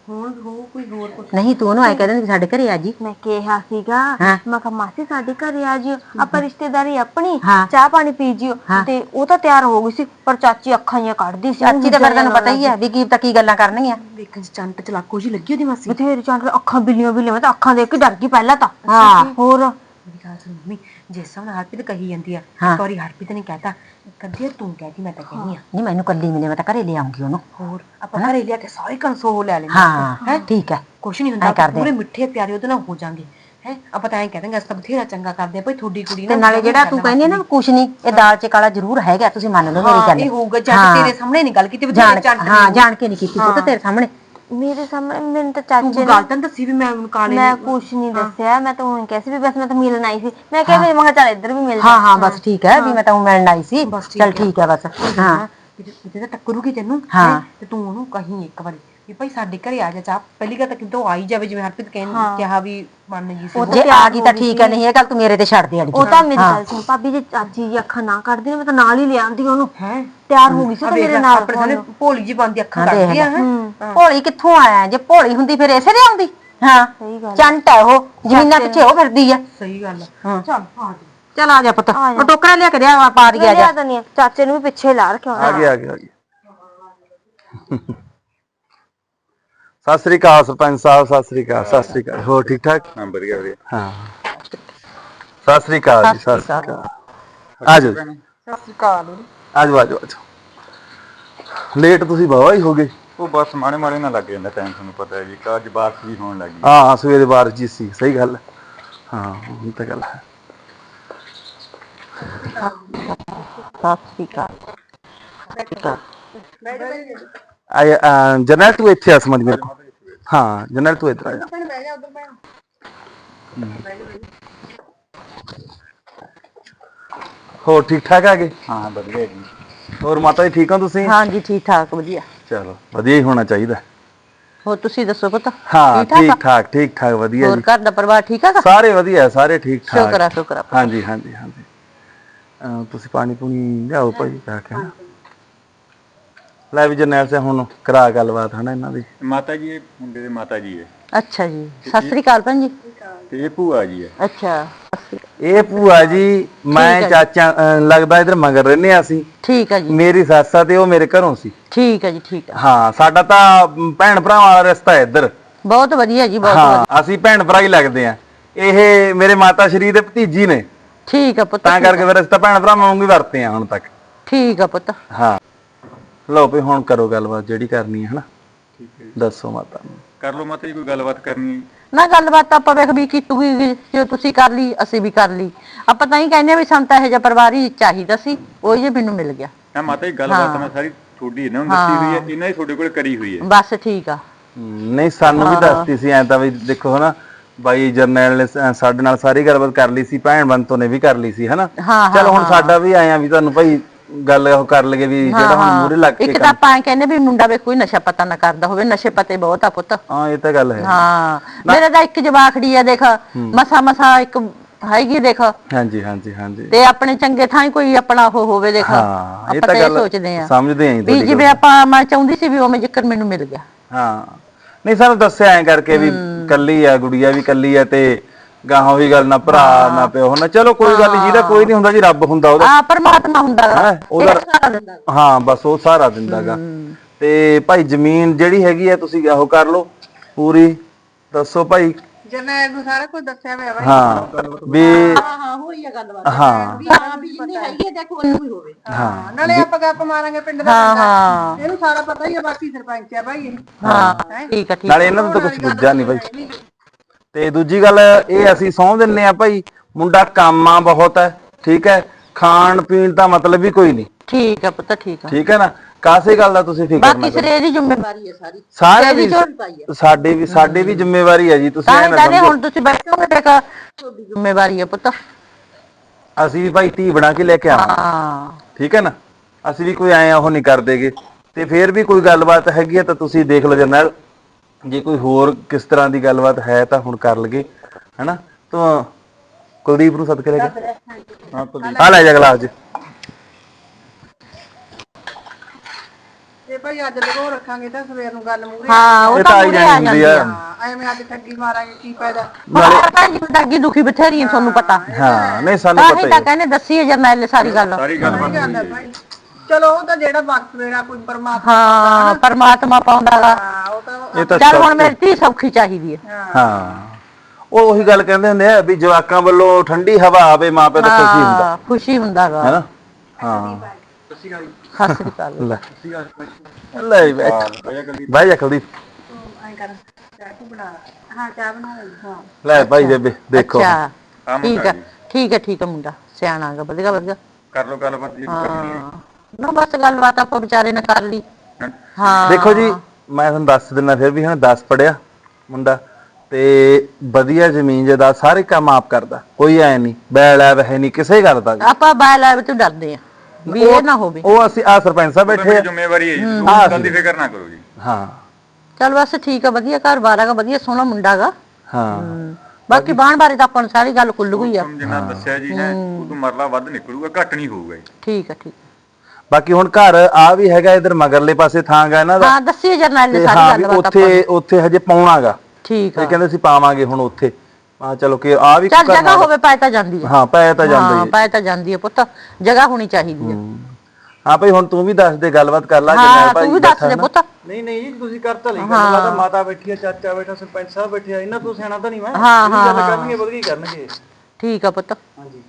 Speaker 7: ਨਹੀਂ ਤੂੰ ਉਹਨੂੰ ਆਏ ਕਹਿੰਦੇ ਸਾਡੇ ਘਰੇ ਆ ਜੀ
Speaker 3: ਮੈਂ ਕਿਹਾ ਸੀਗਾ ਮੈਂ ਕਿਹਾ ਮਾਸੀ ਸਾਡੇ ਘਰੇ ਆ ਜਿਓ ਆਪਾਂ ਰਿਸ਼ਤੇਦਾਰੀ ਆਪਣੀ
Speaker 7: ਹਾਂ।
Speaker 3: ਚਾਹ ਪਾਣੀ ਪੀ ਜਿਓ ਤੇ ਉਹ ਤਾਂ ਤਿਆਰ ਹੋ ਗਈ ਸੀ ਪਰ ਚਾਚੀ ਅੱਖਾਂ ਜਿਹੀਆਂ ਕੱਢਦੀ ਸੀ।
Speaker 7: ਚਾਚੀ ਤਾਂ ਫਿਰ ਤੈਨੂੰ ਪਤਾ ਹੀ ਹੈ ਵੀ ਕੀ ਤਾਂ ਕੀ ਗੱਲਾਂ ਕਰਨਗੀਆਂ
Speaker 6: ਵੇਖਣ ਚ ਚੰਟ ਚਲਾਕੋ ਜੀ ਲੱਗੀ ਉਹਦੀ ਮਾਸੀ।
Speaker 3: ਬਥੇਰੀ ਚੰਟ ਅੱਖਾਂ ਬਿੱਲੀਆਂ ਮੈਂ ਤਾਂ ਅੱਖਾਂ ਦੇਖ ਕੇ ਡਰ ਗਈ ਪਹਿਲਾਂ ਤਾਂ।
Speaker 7: ਹਾਂ
Speaker 3: ਹੋਰ
Speaker 6: ਮੇਰੀ ਗੱਲ ਸੁਣ ਮੰਮੀ ਜਿਸ ਹਿਸਾਬ ਨਾਲ ਹਰਪ੍ਰੀਤ ਕਹੀ ਜਾਂਦੀ ਆ ਇੱਕ ਵਾਰੀ ਹਰਪ੍ਰੀਤ ਨੇ ਕਹਿਤਾ ਕਹਿੰਦੀ ਤੂੰ ਕਹਿਤੀ ਮੈਂ ਤਾਂ ਕਹਿੰਦੀ ਆ
Speaker 7: ਨਹੀਂ ਮੈਨੂੰ ਕੱਲੀ ਮਿਲੇ ਮੈਂ ਤਾਂ ਘਰੇ ਲੈ ਆਉਂਗੀ ਉਹਨੂੰ
Speaker 6: ਹੋਰ ਆਪਾਂ ਘਰੇ ਲਿਆ ਕੇ ਸਾਰੇ ਕੰਸੋਲ ਲੈ ਲੈਂਦੇ
Speaker 7: ਹਾਂ ਠੀਕ ਹੈ
Speaker 6: ਕੁਛ ਨਹੀਂ ਹੁੰਦਾ ਪੂਰੇ ਮਿੱਠੇ ਪਿਆਰੇ ਉਹਦੇ ਨਾਲ ਹੋ ਜਾਾਂਗੇ ਹੈ ਆਪਾਂ ਤਾਂ ਐਂ ਕਹਿ ਦਾਂਗੇ ਅਸੀਂ ਤਾਂ ਬਥੇਰਾ ਚੰਗਾ ਕਰਦੇ ਆ ਭਾਈ ਤੁਹਾਡੀ ਕੁੜੀ
Speaker 7: ਤੇ ਨਾਲੇ ਜਿਹੜਾ ਤੂੰ ਕਹਿੰਦੀ ਨਾ ਕੁਛ ਨਹੀਂ ਇਹ ਦਾਲ ਚ ਕਾਲਾ ਜ਼ਰੂਰ ਹੈਗਾ ਤੁਸੀਂ ਮੰਨ ਲਓ ਮੇਰੀ ਗੱਲ
Speaker 6: ਇਹ ਹੋਊਗਾ ਜਦ ਤੇਰੇ ਸਾਹਮਣੇ ਨਹੀਂ ਗੱਲ ਕੀਤੀ
Speaker 7: ਜਾਣ ਹਾਂ ਜਾਣ ਕੇ ਨਹੀਂ ਕੀਤੀ ਪੁੱਤ ਤੇਰੇ ਸਾਹਮਣੇ
Speaker 3: ਮੇਰੇ ਸਾਹਮਣੇ ਮੈਨੂੰ ਤਾਂ ਚਾਚੇ
Speaker 6: ਤੂੰ ਗੱਲ ਤਾਂ ਦੱਸੀ ਵੀ ਮੈਂ ਉਹਨੂੰ ਕਾਲੇ
Speaker 3: ਮੈਂ ਕੁਛ ਨਹੀਂ ਦੱਸਿਆ ਮੈਂ ਤਾਂ ਉਹਨੂੰ ਕਿਹਾ ਸੀ ਵੀ ਬਸ ਮੈਂ ਤਾਂ ਮਿਲਣ ਆਈ ਸੀ ਮੈਂ ਕਿਹਾ ਵੀ ਮੈਂ ਕਿਹਾ ਚੱਲ ਇੱਧਰ ਵੀ ਮਿਲ ਜਾ।
Speaker 7: ਹਾਂ ਹਾਂ ਬਸ ਠੀਕ ਹੈ ਵੀ ਮੈਂ ਤਾਂ ਮਿਲਣ ਆਈ ਸੀ ਚੱਲ ਠੀਕ ਹੈ ਬਸ ਹਾਂ
Speaker 6: ਜਿਹਦੇ ਤਾਂ ਟੱਕਰੂਗੀ ਤੈਨੂੰ
Speaker 7: ਹਾਂ।
Speaker 6: ਤੇ ਤੂੰ ਉਹਨੂੰ ਕਹੀਂ ਇੱਕ ਵਾਰੀ ਵੀ ਭਾਈ ਸਾਡੇ ਘਰੇ ਆ ਜਾ ਚਾਹ ਪਹਿਲੀ ਗੱਲ ਤਾਂ ਕਿਤੋਂ ਆਈ ਜਾਵੇ ਜਿਵੇਂ ਹਰਪ੍ਰੀਤ ਕਿਹਾ ਵੀ ਮੰਨ ਜੀ ਸੀ
Speaker 7: ਜੇ ਆ ਗਈ ਤਾਂ ਠੀਕ ਹੈ, ਨਹੀਂ ਇਹ ਗੱਲ ਤੂੰ ਮੇਰੇ ਤੇ ਛੱਡ ਦੇ ਅੜੀ
Speaker 3: ਉਹ ਤਾਂ ਮੇਰੀ ਗੱਲ ਸੁਣ ਭਾਬੀ, ਜੇ ਚਾਚੀ ਜੀ ਅੱਖਾਂ ਨਾ ਕੱਢਦੀ ਨਾ ਮੈਂ ਤਾਂ ਨਾਲ ਹੀ ਲਿਆਂਦੀ ਉਹਨੂੰ।
Speaker 6: ਹੈ
Speaker 3: ਤਿਆਰ ਹੋ ਗਈ ਸੀ ਉਹ ਤਾਂ ਮੇਰੇ ਨਾਲ।
Speaker 6: ਆਪਣੇ ਸਾਹਮਣੇ ਭੋਲੀ ਜੀ ਬੰਦੀ ਅੱਖਾਂ ਕੱਢਦੀ ਆ ਹੈ
Speaker 7: ਭੋਲੀ ਕਿੱਥੋਂ ਆਇਆ? ਜੇ ਭੋਲੀ ਹੁੰਦੀ ਫਿਰ ਇਸੇ ਦੇ ਆਉਂਦੀ। ਹਾਂ
Speaker 3: ਸਹੀ ਗੱਲ।
Speaker 7: ਚੰਟ ਹੈ ਉਹ, ਜ਼ਮੀਨਾਂ ਪਿੱਛੇ ਉਹ ਫਿਰਦੀ ਆ।
Speaker 6: ਸਹੀ ਗੱਲ ਆ। ਚੱਲ ਆ ਜਾ।
Speaker 7: ਚੱਲ ਆ ਜਾ ਪੁੱਤ, ਉਹ ਟੋਕਰਾ ਲਿਆ ਕੇ ਦਿਆ ਪਾ ਰਹੀ ਆ ਜਾ।
Speaker 3: ਤਾਂ ਨਹੀਂ, ਚਾਚੇ ਨੂੰ ਵੀ ਪਿੱਛੇ ਲਾ ਰੱਖਿਆ
Speaker 1: ਆ ਗਿਆ ਸਤਿ ਸ੍ਰੀ ਅਕਾਲ ਸਰਪੰਚ ਸਾਹਿਬ, ਸਤਿ ਸ੍ਰੀ ਅਕਾਲ। ਹੋਰ ਠੀਕ ਠਾਕ?
Speaker 4: ਹਾਂ ਵਧੀਆ ਵਧੀਆ।
Speaker 1: ਹਾਂ ਸਤਿ ਸ੍ਰੀ ਅਕਾਲ ਜੀ, ਸਤਿ ਸ੍ਰੀ ਅਕਾਲ। ਆ ਜਾਓ
Speaker 5: ਸਤਿ ਸ਼੍ਰੀ ਅਕਾਲ।
Speaker 1: ਆ ਜਾਓ। ਲੇਟ ਤੁਸੀਂ ਬਾਵਾ ਹੀ ਹੋ ਗਏ।
Speaker 4: ਉਹ ਬਸ ਮਾੜੇ ਮਾੜੇ ਨਾਲ ਲੱਗ ਜਾਂਦਾ ਟਾਈਮ, ਤੁਹਾਨੂੰ ਪਤਾ ਹੈ ਜੀ, ਅੱਜ ਬਾਰਿਸ਼ ਵੀ ਹੋਣ ਲੱਗੀ।
Speaker 1: ਹਾਂ ਸਵੇਰੇ ਬਾਰਿਸ਼ ਜੀ ਸੀ, ਸਹੀ ਗੱਲ ਹੈ। ਹਾਂ ਇਹ ਤਾਂ ਗੱਲ ਹੈ।
Speaker 7: ਸਤਿ ਸ਼੍ਰੀ ਅਕਾਲ।
Speaker 1: ਜਨਰਲ ਤੂੰ ਇੱਥੇ ਆ ਸਮਝ ਮੇਰੇ ਕੋ। ਹਾਂ ਜਨਰਲ ਤੂੰ ਇੱਧਰ ਆ ਜਾ। ਹੋਰ ਠੀਕ ਠਾਕ ਆ ਗਏ?
Speaker 4: ਹਾਂ ਵਧੀਆ ਜੀ।
Speaker 1: ਹੋਰ ਮਾਤਾ ਜੀ ਠੀਕ ਹੋ ਤੁਸੀਂ?
Speaker 7: ਹਾਂਜੀ ਠੀਕ ਠਾਕ ਵਧੀਆ।
Speaker 1: ਚਲੋ ਵਧੀਆ ਹੀ ਹੋਣਾ ਚਾਹੀਦਾ।
Speaker 7: ਹੋਰ ਤੁਸੀਂ ਦੱਸੋ ਪੁੱਤ?
Speaker 1: ਹਾਂ ਠੀਕ ਠਾਕ ਵਧੀਆ
Speaker 7: ਹੋਰ
Speaker 1: ਜੀ।
Speaker 7: ਘਰ ਦਾ ਪਰਿਵਾਰ ਠੀਕ ਆ?
Speaker 1: ਸਾਰੇ ਵਧੀਆ, ਸਾਰੇ ਠੀਕ ਠਾਕ।
Speaker 7: ਸ਼ੁਕਰ ਆ।
Speaker 1: ਹਾਂਜੀ ਤੁਸੀਂ ਪਾਣੀ ਪੂਣੀ ਲਿਆਓ ਭਾਈ ਜਾ ਕੇ। ਲੈ ਵੀ ਜਰਨੈਲ ਸੇ ਹੁਣ ਕਰਾ ਗੱਲਬਾਤ ਹਨਾ ਇਹਨਾਂ ਦੀ।
Speaker 4: ਮਾਤਾ ਜੀ ਇਹ ਮੁੰਡੇ ਦੇ ਮਾਤਾ ਜੀ ਹੈ।
Speaker 7: ਅੱਛਾ ਜੀ, ਸਤਿ ਸ੍ਰੀ ਅਕਾਲ ਭੈਣ ਜੀ।
Speaker 4: ਤੇ ਇਹ ਭੂਆ ਜੀ ਹੈ।
Speaker 7: ਅੱਛਾ
Speaker 1: ਇਹ ਭੂਆ ਜੀ, ਮੈਂ ਚਾਚਾ ਲੱਗਦਾ ਇਧਰ ਮਗਰ ਰਹਿੰਦੇ ਆ ਅਸੀਂ।
Speaker 7: ਠੀਕ ਆ ਜੀ।
Speaker 1: ਮੇਰੀ ਸੱਸ ਆ ਤੇ ਉਹ ਮੇਰੇ ਘਰੋਂ ਸੀ।
Speaker 7: ਠੀਕ ਆ ਜੀ, ਠੀਕ ਆ।
Speaker 1: ਹਾਂ ਸਾਡਾ ਤਾਂ ਭੈਣ ਭਰਾਵਾਂ ਵਾਲਾ ਰਿਸ਼ਤਾ ਹੈ ਇੱਧਰ।
Speaker 7: ਬਹੁਤ ਵਧੀਆ ਜੀ, ਬਹੁਤ
Speaker 1: ਹਾਂ
Speaker 7: ਵਧੀਆ।
Speaker 1: ਅਸੀਂ ਭੈਣ ਭਰਾ ਹੀ ਲੱਗਦੇ ਆ। ਇਹ ਮੇਰੇ ਮਾਤਾ ਸ਼੍ਰੀ ਦੇ ਭਤੀਜੀ ਨੇ,
Speaker 7: ਠੀਕ ਆ ਪੁੱਤ।
Speaker 1: ਤਾਂ ਕਰਕੇ ਫਿਰ ਅਸੀਂ ਤਾਂ ਭੈਣ ਭਰਾਵਾਂ ਵਾਂਗੂ ਹੀ ਵਰਤੇ ਆ ਹੁਣ ਤੱਕ।
Speaker 7: ਠੀਕ ਆ ਪੁੱਤ।
Speaker 1: ਹਾਂ ਲਓ ਵੀ ਹੁਣ ਕਰੋ ਗੱਲਬਾਤ ਜਿਹੜੀ ਕਰਨੀ ਹੈ ਹਨਾ।
Speaker 4: ਠੀਕ ਹੈ ਜੀ,
Speaker 1: ਦੱਸੋ ਮਾਤਾ ਨੂੰ।
Speaker 4: ਕਰ ਲਓ ਮਾਤਾ ਜੀ, ਕੋਈ ਗੱਲਬਾਤ ਕਰਨੀ ਹੈ?
Speaker 7: ਨਾ ਗੱਲਬਾਤ ਆਪਾਂ ਵੇਖ ਵੀ ਕੀਤੀ, ਜੋ ਤੁਸੀਂ ਕਰ ਲਈ ਅਸੀਂ ਵੀ ਕਰ ਲਈ। ਆਪਾਂ ਤਾਂ ਹੀ ਕਹਿੰਦੇ ਆ ਵੀ ਸਾਨੂੰ ਤਾਂ ਇਹੋ ਜਿਹਾ ਪਰਿਵਾਰ ਹੀ ਚਾਹੀਦਾ ਸੀ, ਉਹ ਜੇ ਮੈਨੂੰ ਮਿਲ ਗਿਆ।
Speaker 4: ਨਾ ਮਾਤਾ ਜੀ ਗੱਲਬਾਤ ਮੈਂ ਸਾਰੀ ਤੁਹਾਡੀ ਇਹਨਾਂ ਨੂੰ ਦੱਸੀ ਹੋਈ ਹੈ, ਇਹਨਾਂ ਹੀ ਤੁਹਾਡੇ ਕੋਲ ਕਰੀ ਹੋਈ ਹੈ।
Speaker 7: ਬਸ ਠੀਕ ਆ।
Speaker 1: ਨਹੀਂ ਸਾਨੂੰ ਵੀ ਦੱਸਤੀ ਸੀ ਐਂ ਤਾਂ ਵੀ ਦੇਖੋ ਹਨਾ, ਬਾਈ ਜਰਨੈਲ ਨੇ ਸਾਡੇ ਨਾਲ ਸਾਰੀ ਗੱਲਬਾਤ ਕਰ ਲਈ ਸੀ, ਭੈਣ ਬੰਤੋ ਨੇ ਵੀ ਕਰ ਲਈ ਸੀ ਹਨਾ। ਚਲੋ ਹੁਣ ਸਾਡਾ ਵੀ ਆਇਆ ਵੀ ਤੁਹਾਨੂੰ ਭਾਈ ਗੱਲ ਉਹ ਕਰ ਲਗੇ ਵੀ ਜਿਹੜਾ ਹੁਣ ਮੂਹਰੇ ਲੱਗ ਕੇ
Speaker 7: ਇੱਕ ਤਾਂ ਆਪਾਂ ਕਹਿੰਦੇ ਵੀ ਮੁੰਡਾ ਵੇ ਕੋਈ ਨਸ਼ਾ ਪਤਾ ਨਾ ਕਰਦਾ ਹੋਵੇ, ਨਸ਼ੇ ਪਤੇ ਬਹੁਤ ਆ ਪੁੱਤ।
Speaker 1: ਹਾਂ ਇਹ ਤਾਂ ਗੱਲ ਹੈ।
Speaker 7: ਹਾਂ ਮੇਰੇ ਦਾ ਇੱਕ ਜਵਾਖੜੀ ਆ ਦੇਖ, ਮਸਾ ਇੱਕ ਹੈਗੀ ਦੇਖ।
Speaker 1: ਹਾਂਜੀ
Speaker 7: ਤੇ ਆਪਣੇ ਚੰਗੇ ਥਾਂ ਹੀ ਕੋਈ ਆਪਣਾ ਉਹ ਹੋਵੇ ਦੇਖ।
Speaker 1: ਹਾਂ ਇਹ
Speaker 7: ਆਪਾਂ
Speaker 1: ਤਾਂ
Speaker 7: ਇਹ
Speaker 1: ਗੱਲ
Speaker 7: ਸੋਚਦੇ ਆ,
Speaker 1: ਸਮਝਦੇ ਆਂ
Speaker 7: ਵੀ ਜਿਵੇਂ ਆਪਾਂ ਮੈਂ ਚਾਹੁੰਦੀ ਸੀ ਵੀ ਉਵੇਂ ਜ਼ਿਕਰ ਮੈਨੂੰ ਮਿਲ ਗਿਆ।
Speaker 1: ਹਾਂ ਨਹੀਂ ਸਾਨੂੰ ਦੱਸਿਆ ਐਂ ਕਰਕੇ ਵੀ ਕੱਲੀ ਆ, ਗੁੜੀਆ ਵੀ ਕੱਲੀ ਆ ਤੇ ਗਾਹਾਂ ਵੀ ਗੱਲ ਨਾ ਭਰਾ ਨਾ ਪਿਓ ਨਾ। ਚਲੋ ਕੋਈ ਗੱਲ ਨਹੀਂ, ਜਿਹਦਾ ਕੋਈ ਨਹੀਂ ਹੁੰਦਾ ਜੀ ਰੱਬ ਹੁੰਦਾ ਉਹਦਾ।
Speaker 7: ਹਾਂ ਪਰਮਾਤਮਾ ਹੁੰਦਾ
Speaker 1: ਉਹਦਾ। ਹਾਂ ਬਸ ਉਹ ਸਹਾਰਾ ਦਿੰਦਾਗਾ। ਤੇ ਭਾਈ ਜ਼ਮੀਨ ਜਿਹੜੀ ਹੈਗੀ ਆ ਤੁਸੀਂ ਉਹ ਕਰ ਲਓ ਪੂਰੀ। ਦੱਸੋ ਭਾਈ।
Speaker 5: ਜਰਨੈਲ ਨੂੰ ਸਾਰਾ ਕੁਝ ਦੱਸਿਆ ਹੋਇਆ ਵਾ।
Speaker 1: ਹਾਂ ਵੀ
Speaker 7: ਹਾਂ ਹੋਈ ਆ ਗੱਲਬਾਤ।
Speaker 1: ਹਾਂ
Speaker 7: ਵੀ ਜਿੰਨੀ ਹੈਗੀ ਹੈ ਦੇਖੋ ਉਹਨੂੰ ਵੀ ਹੋਵੇ।
Speaker 1: ਹਾਂ
Speaker 5: ਨਾਲੇ ਆਪਾਂ ਗੱਪ ਮਾਰਾਂਗੇ ਪਿੰਡ ਦਾ।
Speaker 7: ਹਾਂ
Speaker 5: ਇਹਨੂੰ ਸਾਰਾ ਪਤਾ ਹੀ ਆ, ਬਾਕੀ ਸਰਪੰਚ ਆ ਭਾਈ ਇਹ।
Speaker 7: ਹਾਂ ਠੀਕ ਆ ਠੀਕ।
Speaker 1: ਨਾਲੇ ਇਹਨਾਂ ਨੂੰ ਤਾਂ ਕੁਝ ਬੁੱਝਾ ਨਹੀਂ ਭਾਈ। ਤੇ ਦੂਜੀ ਗੱਲ ਇਹ ਅਸੀਂ ਸਹੁੰ ਦਿੰਨੇ ਆ ਭਾਈ, ਮੁੰਡਾ ਕਾਮਾ ਬਹੁਤ ਹੈ, ਠੀਕ ਹੈ, ਖਾਣ ਪੀਣ ਦਾ ਮਤਲਬ ਵੀ ਕੋਈ ਨਹੀਂ।
Speaker 7: ਠੀਕ ਆ ਪੁੱਤ, ਠੀਕ ਆ।
Speaker 1: ਠੀਕ ਹੈ ਨਾ, ਕਾਸੇ ਗੱਲ ਦਾ ਤੁਸੀਂ ਫਿਕਰ ਨਾ
Speaker 7: ਬਾਕੀ
Speaker 1: ਕਰੋ।
Speaker 7: ਸਿਰੇ ਦੀ ਜ਼ਿੰਮੇਵਾਰੀ ਹੈ ਸਾਰੀ।
Speaker 1: ਸਾਰੇ ਦੀ ਸਾਡੀ ਵੀ ਜ਼ਿੰਮੇਵਾਰੀ ਹੈ ਜੀ। ਤੁਸੀਂ
Speaker 7: ਤਾਂ
Speaker 1: ਐਂ ਨਾ
Speaker 7: ਕਹਿੰਦੇ
Speaker 1: ਸਮਝੋ
Speaker 7: ਹੁਣ ਤੁਸੀਂ ਬੈਠੋਗੇ ਦੇਖ, ਤੁਹਾਡੀ ਜ਼ਿੰਮੇਵਾਰੀ ਹੈ ਪੁੱਤ।
Speaker 1: ਅਸੀਂ ਵੀ ਭਾਈ ਧੀ ਬਣਾ ਕੇ ਲੈ ਕੇ ਆਵਾਂਗੇ।
Speaker 7: ਹਾਂ
Speaker 1: ਠੀਕ ਹੈ ਨਾ, ਅਸੀਂ ਵੀ ਕੋਈ ਐਂ ਉਹ ਨਹੀਂ ਕਰਦੇਗੇ। ਤੇ ਫੇਰ ਵੀ ਕੋਈ ਗੱਲਬਾਤ ਹੈਗੀ ਹੈ ਤਾਂ ਤੁਸੀਂ ਦੇਖ ਲਓ ਜਰਨੈਲ, ਜੇ ਕੋਈ ਹੋਰ ਕਿਸ ਤਰ੍ਹਾਂ ਦੀ ਗੱਲਬਾਤ ਹੈ ਤਾਂ ਹੁਣ ਕਰ ਲਗੇ ਹੈਨਾ। ਤਾਂ ਕੁਲਦੀਪ ਨੂੰ ਸੱਦ ਕੇ ਲੈ ਕੇ ਆ ਲੈ ਜਾ ਗਲਾਸ ਜੀ।
Speaker 5: ਤੇ ਭਾਈ ਅੱਜ ਲਗੋ ਰੱਖਾਂਗੇ ਤਾਂ ਸਵੇਰ ਨੂੰ ਗੱਲ ਮੂਰੇ।
Speaker 7: ਹਾਂ ਉਹ
Speaker 1: ਇਹ
Speaker 7: ਤਾਂ
Speaker 1: ਤਾਂ ਆਈ
Speaker 7: ਮੂਹਰੇ ਆ
Speaker 1: ਜਾਂਦੀ
Speaker 7: ਜਾਂਦੀ
Speaker 1: ਆ।
Speaker 7: ਆ।
Speaker 5: ਹਾਂ ਐਵੇਂ ਅੱਜ ਠੱਗੀ ਮਾਰਾਂਗੇ ਕੀ ਫਾਇਦਾ।
Speaker 7: ਭੈਣ ਜੀ ਦਾਗੀ ਦੁਖੀ ਬਥੇਰੀ ਆ, ਤੁਹਾਨੂੰ ਪਤਾ।
Speaker 1: ਹਾਂ ਨਹੀਂ ਸਾਨੂੰ
Speaker 7: ਤਾਂ
Speaker 1: ਪਤਾ
Speaker 7: ਹੀ
Speaker 1: ਹੀ
Speaker 7: ਤਾਂ
Speaker 1: ਹੈ।
Speaker 7: ਕਹਿੰਦੇ ਦੱਸੀ ਹੈ ਜਰਨੈਲ ਨੇ ਸਾਰੀ ਗੱਲ।
Speaker 4: ਸਾਰੀ ਗੱਲਬਾਤ
Speaker 5: ਗੱਲ ਹੈ ਭਾਈ। ਚਲੋ ਉਹ ਤਾਂ ਜਿਹੜਾ ਵਕਤ ਵੇੜਾ ਕੋਈ ਪਰਮਾਤਮਾ।
Speaker 7: ਹਾਂ ਪਰਮਾਤਮਾ ਪਾਉਂਦਾਗਾ।
Speaker 5: ਹਾਂ ਉਹ ਤਾਂ
Speaker 1: ਇਹ ਤਾਂ
Speaker 7: ਚੱਲ ਹੁਣ
Speaker 1: ਸੱਚ
Speaker 7: ਮੇਰੀ ਧੀ ਸੌਖੀ ਚਾਹੀਦੀ ਹੈ।
Speaker 1: ਹਾਂ ਉਹ ਉਹੀ ਗੱਲ ਕਹਿੰਦੇ ਹੁੰਦੇ ਆ ਵੀ ਜਵਾਕਾਂ ਵੱਲੋਂ ਠੰਡੀ ਹਵਾ ਆਵੇ ਮਾਂ ਪਿਓ ਤੋਂ ਖੁਸ਼ੀ ਹੁੰਦਾ
Speaker 7: ਹਾਂ ਖੁਸ਼ੀ ਹੁੰਦਾਗਾ।
Speaker 1: ਹੈਨਾ। ਹਾਂ
Speaker 7: ਸਤਿ ਸ੍ਰੀ ਅਕਾਲ।
Speaker 1: ਲੈ ਬਾਈ ਜਾ ਕੁਲਦੀਪ।
Speaker 5: ਐਂ ਕਰ ਚਾਹ ਤੂੰ ਬਣਾ। ਹਾਂ ਚਾਹ ਬਣਾ ਲਈ। ਹਾਂ
Speaker 1: ਲੈ ਭਾਈ ਬੇਬੇ ਦੇਖੋ।
Speaker 7: ਅੱਛਾ ਠੀਕ ਆ ਠੀਕ ਆ ਮੁੰਡਾ ਸਿਆਣਾ ਗਾ, ਵਧੀਆ ਵਧੀਆ।
Speaker 4: ਕਰ ਲਓ ਗੱਲਬਾਤ ਜੀ ਕਰਨੀ ਹੈ।
Speaker 7: ਨਾ ਬਸ ਗੱਲਬਾਤ ਆਪਾਂ ਵਿਚਾਰੇ ਨੇ ਕਰ ਲਈ। ਹਾਂ
Speaker 1: ਦੇਖੋ ਜੀ ਮੈਂ ਤੁਹਾਨੂੰ ਦੱਸ ਦਿੰਦਾ ਫਿਰ ਵੀ ਹਨਾ, 10 ਪੜਿਆ ਮੁੰਡਾ ਤੇ ਵਧੀਆ ਜ਼ਮੀਨ ਜਾਇਦਾਦ ਸਾਰੇ ਕੰਮ ਆਪ ਕਰਦਾ, ਕੋਈ ਐ ਨਹੀਂ ਬੈਲ ਐ ਵਹਿ ਨਹੀਂ ਕਿਸੇ ਗੱਲ ਦਾ।
Speaker 7: ਆਪਾਂ ਬਾਇ ਲਾਈਵ ਤੋਂ ਡਰਦੇ ਆ ਵੀ ਇਹ ਨਾ ਹੋਵੇ।
Speaker 1: ਉਹ ਅਸੀਂ ਆ ਸਰਪੰਚ ਸਾਹਿਬ ਬੈਠੇ ਆ।
Speaker 4: ਜ਼ਿੰਮੇਵਾਰੀ ਹੈ ਜੀ, ਉਸ ਗੱਲ ਦੀ ਫਿਕਰ ਨਾ ਕਰੋ ਜੀ।
Speaker 1: ਹਾਂ
Speaker 6: ਚੱਲ ਬਸ ਠੀਕ ਆ, ਵਧੀਆ ਘਰ ਬਾਰ ਹੈਗਾ, ਵਧੀਆ ਸੋਹਣਾ ਮੁੰਡਾ ਗਾ।
Speaker 1: ਹਾਂ
Speaker 6: ਬਾਕੀ ਬਾਣ ਬਾਰੇ ਤਾਂ ਆਪਾਂ ਨੂੰ ਸਾਰੀ ਗੱਲ ਖੁੱਲ ਗਈ ਆ।
Speaker 8: ਜਿੰਨਾ ਦੱਸਿਆ ਜੀ ਹੈ ਉਹ ਤੋਂ ਮਰਲਾ ਵੱਧ ਨਿਕਲੂਗਾ, ਘੱਟ ਨਹੀਂ ਹੋਊਗਾ ਜੀ।
Speaker 6: ਠੀਕ ਆ ਠੀਕ ਆ।
Speaker 1: ਬਾਕੀ ਹੁਣ ਘਰ ਆ ਵੀ ਹੈਗਾ ਇਧਰ ਮਗਰਲੇ ਪਾਸੇ ਥਾਂ ਗਾ ਇਹਨਾਂ ਦਾ।
Speaker 6: ਹਾਂ ਦੱਸੀਏ ਜਰਨੈਲ ਨੇ
Speaker 1: ਤੇ
Speaker 6: ਸਾਰੀ
Speaker 1: ਹਾਂ ਵੀ
Speaker 6: ਗੱਲਬਾਤ ਆਪਾਂ
Speaker 1: ਉੱਥੇ ਉੱਥੇ ਹਜੇ ਪਾਉਣਾਗਾ।
Speaker 6: ਠੀਕ ਆ।
Speaker 1: ਇਹ ਕਹਿੰਦੇ ਸੀ ਪਾਵਾਂਗੇ ਹੁਣ ਉੱਥੇ। ਹਾਂ ਚਲੋ ਕਿ ਆ ਵੀ
Speaker 6: ਚੱਲ
Speaker 1: ਘਰ
Speaker 6: ਜਗ੍ਹਾ
Speaker 1: ਨਾਲ-
Speaker 6: ਹੋਵੇ ਪਾਇ ਤਾਂ ਜਾਂਦੀ ਆ।
Speaker 1: ਹਾਂ ਪੈ ਤਾਂ ਜਾਂਦਾ
Speaker 6: ਹਾਂ
Speaker 1: ਹੀ
Speaker 6: ਪਾਇ ਤਾਂ ਜਾਂਦੀ ਆ ਪੁੱਤ, ਜਗ੍ਹਾ ਹੋਣੀ ਚਾਹੀਦੀ ਆ।
Speaker 1: ਹਾਂ ਭਾਈ ਹੁਣ ਤੂੰ ਵੀ ਦੱਸ ਦੇ, ਗੱਲਬਾਤ ਕਰ ਲਾ
Speaker 6: ਹਾਂ ਤੂੰ ਵੀ ਦੱਸ ਦੇ ਪੁੱਤ।
Speaker 2: ਨਹੀਂ ਨਹੀਂ ਜੀ ਤੁਸੀਂ ਕਰ ਤਾਂ ਲਈ ਗੱਲ, ਮਾਤਾ ਬੈਠੀ ਆ, ਚਾਚਾ ਬੈਠਾ, ਸਰਪੰਚ ਸਾਹਿਬ ਬੈਠੇ ਆ, ਇਹਨਾਂ ਤੋਂ ਸਿਆਣਾ ਤਾਂ ਨਹੀਂ ਮੈਂ।
Speaker 6: ਹਾਂ,
Speaker 2: ਜਿਹੜੀ ਗੱਲ
Speaker 6: ਹਾਂ,
Speaker 2: ਕਰਨਗੇ ਵਧੀਆ ਕਰਨਗੇ।
Speaker 6: ਠੀਕ ਆ ਪੁੱਤ।
Speaker 2: ਹਾਂਜੀ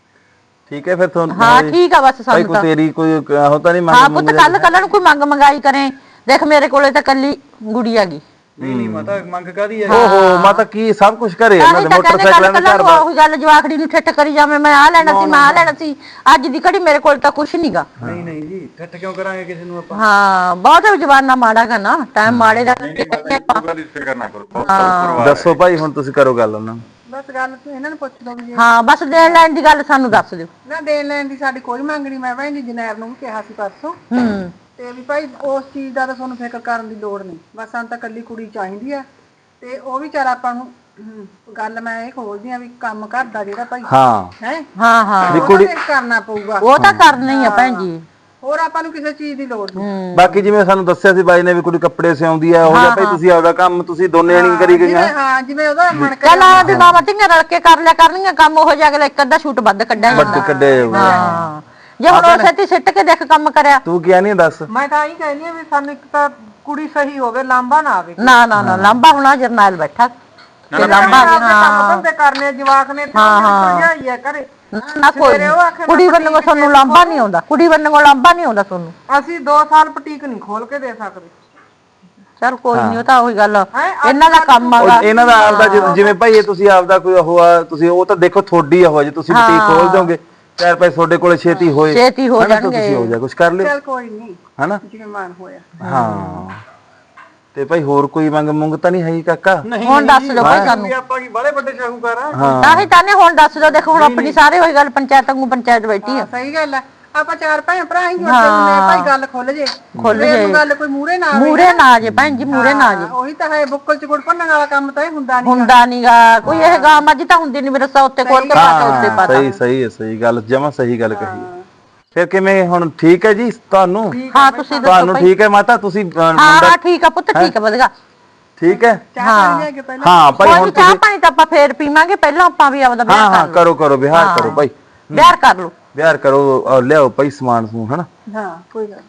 Speaker 1: ਠੀਕ ਹੈ ਫਿਰ ਤੁਹਾਨੂੰ
Speaker 6: ਹਾਂ ਠੀਕ ਆ ਬਸ
Speaker 1: ਭਾਈ
Speaker 6: ਸਾਨੂੰ
Speaker 1: ਕੋਈ
Speaker 6: ਤਾਂ।
Speaker 1: ਤੇਰੀ ਕੋਈ ਉਹ ਤਾਂ ਨਹੀਂ
Speaker 6: ਹਾਂ
Speaker 1: ਮੰਗ
Speaker 6: ਪੁੱਤ ਕੱਲ ਨੂੰ ਕੋਈ ਮੰਗ ਮੰਗਾਈ ਕਰੇ, ਦੇਖ ਮੇਰੇ ਕੋਲੇ ਤਾਂ ਕੱਲੀ ਗੁੜੀ ਆ ਗਈ।
Speaker 2: ਨਹੀਂ ਨਹੀਂ ਮਾਤਾ ਮੰਗ ਕਾਦੀ ਹੈ?
Speaker 1: ਓਹੋ ਮਾਤਾ ਕੀ ਸਭ ਕੁਝ ਘਰੇ ਇਹਨਾਂ ਦੇ ਮੋਟਰਸਾਈਕਲਾਂ ਦੇ ਘਰ ਬਾਰ।
Speaker 6: ਉਹੀ ਗੱਲ ਜਵਾਖੜੀ ਨੂੰ ਠੱਠ ਕਰੀ ਜਾਵੇਂ, ਮੈਂ ਆ ਲੈਣਾ ਸੀ ਮੈਂ ਆ ਲੈਣਾ ਸੀ, ਅੱਜ ਦੀ ਘੜੀ ਮੇਰੇ ਕੋਲ ਤਾਂ ਕੁਛ ਨਹੀਂਗਾ।
Speaker 2: ਨਹੀਂ ਨਹੀਂ ਜੀ ਠੱਠ ਕਿਉਂ ਕਰਾਂਗੇ ਕਿਸੇ ਨੂੰ ਆਪਾਂ?
Speaker 6: ਹਾਂ ਬਹੁਤ ਜਵਾਨਾ ਮਾੜਾ ਗਾ ਨਾ, ਟਾਈਮ ਮਾੜੇ ਦਾ।
Speaker 8: ਗੱਲ ਇਸ ਫਿਕਰ ਨਾ ਕਰੋ, ਪਰਿਵਾਰ
Speaker 1: ਦੱਸੋ ਭਾਈ ਹੁਣ ਤੁਸੀਂ ਕਰੋ ਗੱਲ ਉਹਨਾਂ ਨੂੰ।
Speaker 5: ਬਸ ਗੱਲ ਤੂੰ ਇਹਨਾਂ ਨੂੰ ਪੁੱਛ ਲਓ ਵੀ ਜੇ
Speaker 6: ਹਾਂ ਬਸ ਦੇਣ ਲੈਣ ਦੀ ਗੱਲ ਸਾਨੂੰ ਦੱਸ ਦਿਓ।
Speaker 5: ਨਾ ਦੇਣ ਲੈਣ ਦੀ ਸਾਡੀ ਕੋਈ ਮੰਗ ਨਹੀਂ। ਮੈਂ ਭੈਣ ਜੀ ਜਨੈਬ ਨੂੰ ਵੀ ਕਿਹਾ ਸੀ ਪਰਸੋਂ ਤੇ ਵੀ ਭਾਈ ਉਸ ਚੀਜ਼ ਦਾ ਤਾਂ ਤੁਹਾਨੂੰ ਫਿਕਰ ਕਰਨ ਦੀ ਲੋੜ ਨਹੀਂ, ਬਸ ਸਾਨੂੰ ਤਾਂ ਕੱਲੀ ਕੁੜੀ ਚਾਹੀਦੀ ਆ। ਤੇ ਉਹ ਵੀ ਚਾਰ ਆਪਾਂ ਨੂੰ ਗੱਲ ਮੈਂ ਇਹ ਖੋਲਦੀ ਆ ਵੀ ਕੰਮ ਘਰ ਦਾ ਜਿਹੜਾ ਭਾਈ
Speaker 1: ਹਾਂ
Speaker 5: ਹੈ
Speaker 6: ਹਾਂ ਹਾਂ
Speaker 5: ਕੁੜੀ ਕਰਨਾ ਪਊਗਾ।
Speaker 6: ਉਹ ਤਾਂ ਕਰਨਾ ਹੀ ਆ ਭੈਣ ਜੀ।
Speaker 5: ਹੋਰ ਆਪਾਂ ਨੂੰ ਕਿਸੇ ਚੀਜ਼ ਦੀ ਲੋੜ ਨਹੀਂ।
Speaker 1: ਬਾਕੀ ਜਿਵੇਂ ਸਾਨੂੰ ਦੱਸਿਆ ਸੀ ਬਾਈ ਨੇ ਵੀ ਕੁੜੀ ਕੱਪੜੇ ਸਿਉਂਦੀ ਆ, ਉਹ ਜਿਹਾ ਭਾਈ ਤੁਸੀਂ ਆਪਦਾ ਕੰਮ ਤੁਸੀਂ ਦੋਨੇ ਨਹੀਂ ਕਰੀ ਗਈਆਂ।
Speaker 5: ਹਾਂ ਜਿਵੇਂ ਉਹਦਾ ਮਨ
Speaker 6: ਚੱਲ ਆ ਵੀ ਮਾਮਾ ਧੀਆਂ ਰਲ ਕੇ ਕਰ ਲਿਆ ਕਰਨੀਆਂ ਕੰਮ, ਉਹ ਜਿਹਾ ਅਗਲਾ ਇੱਕ ਅੱਧਾ ਸ਼ੂਟ ਵੱਧ ਕੱਢਿਆ ਜਾਂਦਾ।
Speaker 1: ਵੱਡ ਕੱਢੇ ਜਾਊਗਾ।
Speaker 6: ਹਾਂ ਜੇ ਹੁਣ ਉਸੇ ਤੇ ਸਿੱਟ ਕੇ ਦੇਖ ਕੰਮ ਕਰਿਆ।
Speaker 1: ਤੂੰ ਕਿਹਾ ਨਹੀਂ ਦੱਸ।
Speaker 5: ਮੈਂ ਤਾਂ ਹੀ ਕਹਿੰਦੀ ਆ ਵੀ ਸਾਨੂੰ ਇੱਕ ਤਾਂ ਕੁੜੀ ਸਹੀ ਹੋਵੇ, ਲਾਂਬਾ ਨਾ ਆਵੇ।
Speaker 6: ਨਾ ਨਾ ਨਾ ਲਾਂਬਾ ਹੋਣਾ ਜਰਨੈਲ ਬੈਠਾ ਤੇ ਲਾਂਬਾ
Speaker 5: ਕੰਮ ਤੇ ਕਰਨੇ ਜਵਾਕ ਨੇ ਤੇ ਭਜਾਈ ਆ ਘਰੇ।
Speaker 6: ਨਾ ਕੋਈ ਕੁੜੀ ਵੱਲੋਂ ਸਾਨੂੰ ਲਾਂਬਾ ਨਹੀਂ ਆਉਂਦਾ, ਕੁੜੀ ਵੱਲੋਂ ਲਾਂਬਾ ਨਹੀਂ ਆਉਂਦਾ ਤੁਹਾਨੂੰ।
Speaker 5: ਅਸੀਂ 2 ਸਾਲ ਬੁਟੀਕ ਨਹੀਂ ਖੋਲ ਕੇ ਦੇ ਸਕਦੇ।
Speaker 6: ਚਲ ਕੋਈ ਨਹੀਂ, ਉਹ ਤਾਂ ਉਹੀ ਗੱਲ ਇਹਨਾਂ ਦਾ ਕੰਮ ਆਗਾ।
Speaker 1: ਇਹਨਾਂ ਦਾ ਆਪਦਾ ਜਿਵੇਂ ਭਾਈ ਇਹ ਤੁਸੀਂ ਆਪਦਾ ਕੋਈ ਉਹ ਆ, ਤੁਸੀਂ ਉਹ ਤਾਂ ਦੇਖੋ ਥੋੜੀ ਆ, ਹੋ ਜੇ ਤੁਸੀਂ ਬੁਟੀਕ ਖੋਲ ਦੋਗੇ 4 ਪੈਸੇ ਤੁਹਾਡੇ ਕੋਲੇ ਛੇਤੀ ਹੋਏ,
Speaker 6: ਛੇਤੀ ਹੋ
Speaker 1: ਹਨਾ, ਤਾਂ
Speaker 6: ਜਾਣਗੇ।
Speaker 1: ਤੁਸੀਂ ਹੋ ਜਾ ਕੁਝ ਕਰ ਲਿਓ,
Speaker 5: ਚੱਲ ਕੋਈ ਨਹੀਂ
Speaker 1: ਹਨਾ।
Speaker 5: ਜਿਵੇਂ ਮਨ ਹੋਇਆ।
Speaker 1: ਹਾਂ ਤੇ ਭਾਈ ਹੋਰ ਕੋਈ ਮੰਗ ਮੁੰਗ ਤਾਂ ਨਹੀਂ ਹੈ ਕਾਕਾ?
Speaker 6: ਹੁਣ ਦੱਸ ਦਿਓ ਭਾਈ ਸਾਨੂੰ।
Speaker 2: ਵੀ ਆਪਾਂ ਕੀ ਬਾਲੇ ਵੱਡੇ ਸ਼ਾਹੂਕਾਰ ਆ?
Speaker 6: ਤਾਂ ਹੀ ਤਾਂ ਨੇ ਹੁਣ ਦੱਸ ਦਿਓ। ਦੇਖੋ ਹੁਣ ਆਪਣੀ ਸਾਰੇ ਉਹੀ ਗੱਲ ਪੰਚਾਇਤ ਵਾਂਗੂ ਪੰਚਾਇਤ ਬੈਠੀ ਆ।
Speaker 5: ਸਹੀ ਗੱਲ ਆ, ਆਪਾਂ 4 ਭੈਣ ਭਰਾ ਹੀ ਜੁੜਦੇ ਹੁੰਦੇ ਆ ਭਾਈ, ਗੱਲ ਖੁੱਲ ਜੇ ਗੱਲ ਕੋਈ ਮੂਰੇ ਨਾ ਆਵੇ।
Speaker 6: ਮੂਰੇ ਨਾ ਆ ਜੇ ਭੈਣ ਜੀ, ਮੂਰੇ ਨਾ ਆ ਜੇ।
Speaker 5: ਉਹੀ ਤਾਂ ਹੈ, ਬੁੱਕਲ ਚ ਗੁੜ ਭੰਨਣ ਵਾਲਾ ਕੰਮ ਤਾਂ ਇਹ ਹੁੰਦਾ ਨਹੀਂ।
Speaker 6: ਹੁੰਦਾ ਨਹੀਂਗਾ ਕੋਈ, ਇਹ ਗਾਂ ਅੱਜ ਤਾਂ ਹੁੰਦੀ ਨਹੀਂ, ਮੇਰਾ ਸਾ ਉੱਤੇ ਕੋਲ ਕੇ ਪਾ ਕੇ ਉੱਤੇ ਪਾ।
Speaker 1: ਸਹੀ ਸਹੀ ਹੈ, ਸਹੀ ਗੱਲ, ਜਮਾ ਸਹੀ ਗੱਲ ਕਹੀ। ਫਿਰ ਕਿਵੇਂ ਹੁਣ ਠੀਕ ਹੈ ਜੀ ਤੁਹਾਨੂੰ?
Speaker 6: ਹਾਂ ਤੁਸੀਂ ਦੱਸੋ
Speaker 1: ਤੁਹਾਨੂੰ
Speaker 6: ਭਾਈ।
Speaker 1: ਠੀਕ ਹੈ ਮਾਤਾ? ਤੁਸੀਂ
Speaker 6: ਹਾਂ ਠੀਕ ਆ ਪੁੱਤ, ਠੀਕ ਆ ਵਧੀਆ।
Speaker 1: ਠੀਕ ਹੈ?
Speaker 5: ਚਾਹ ਲੈ ਕੇ ਪਹਿਲਾਂ
Speaker 1: ਹਾਂ ਭਾਈ ਹੁਣ
Speaker 6: ਚਾਹ ਪਾਣੀ ਤਾਂ ਆਪਾਂ ਫੇਰ ਪੀਵਾਂਗੇ, ਪਹਿਲਾਂ ਆਪਾਂ ਵੀ ਆਪਦਾ
Speaker 1: ਹਾਂ
Speaker 6: ਵਿਆਹ
Speaker 1: ਹਾਂ
Speaker 6: ਕਰ
Speaker 1: ਕਰੋ ਕਰੋ ਵਿਹਾਰ ਕਰੋ ਭਾਈ,
Speaker 6: ਵਿਆਹ ਕਰ ਲਓ।
Speaker 1: ਵਿਹਾਰ ਕਰੋ, ਔਰ ਲਿਆਓ ਭਾਈ ਸਮਾਨ ਸਮੂਨ, ਹਨਾ।
Speaker 5: ਹਾਂ ਕੋਈ ਗੱਲ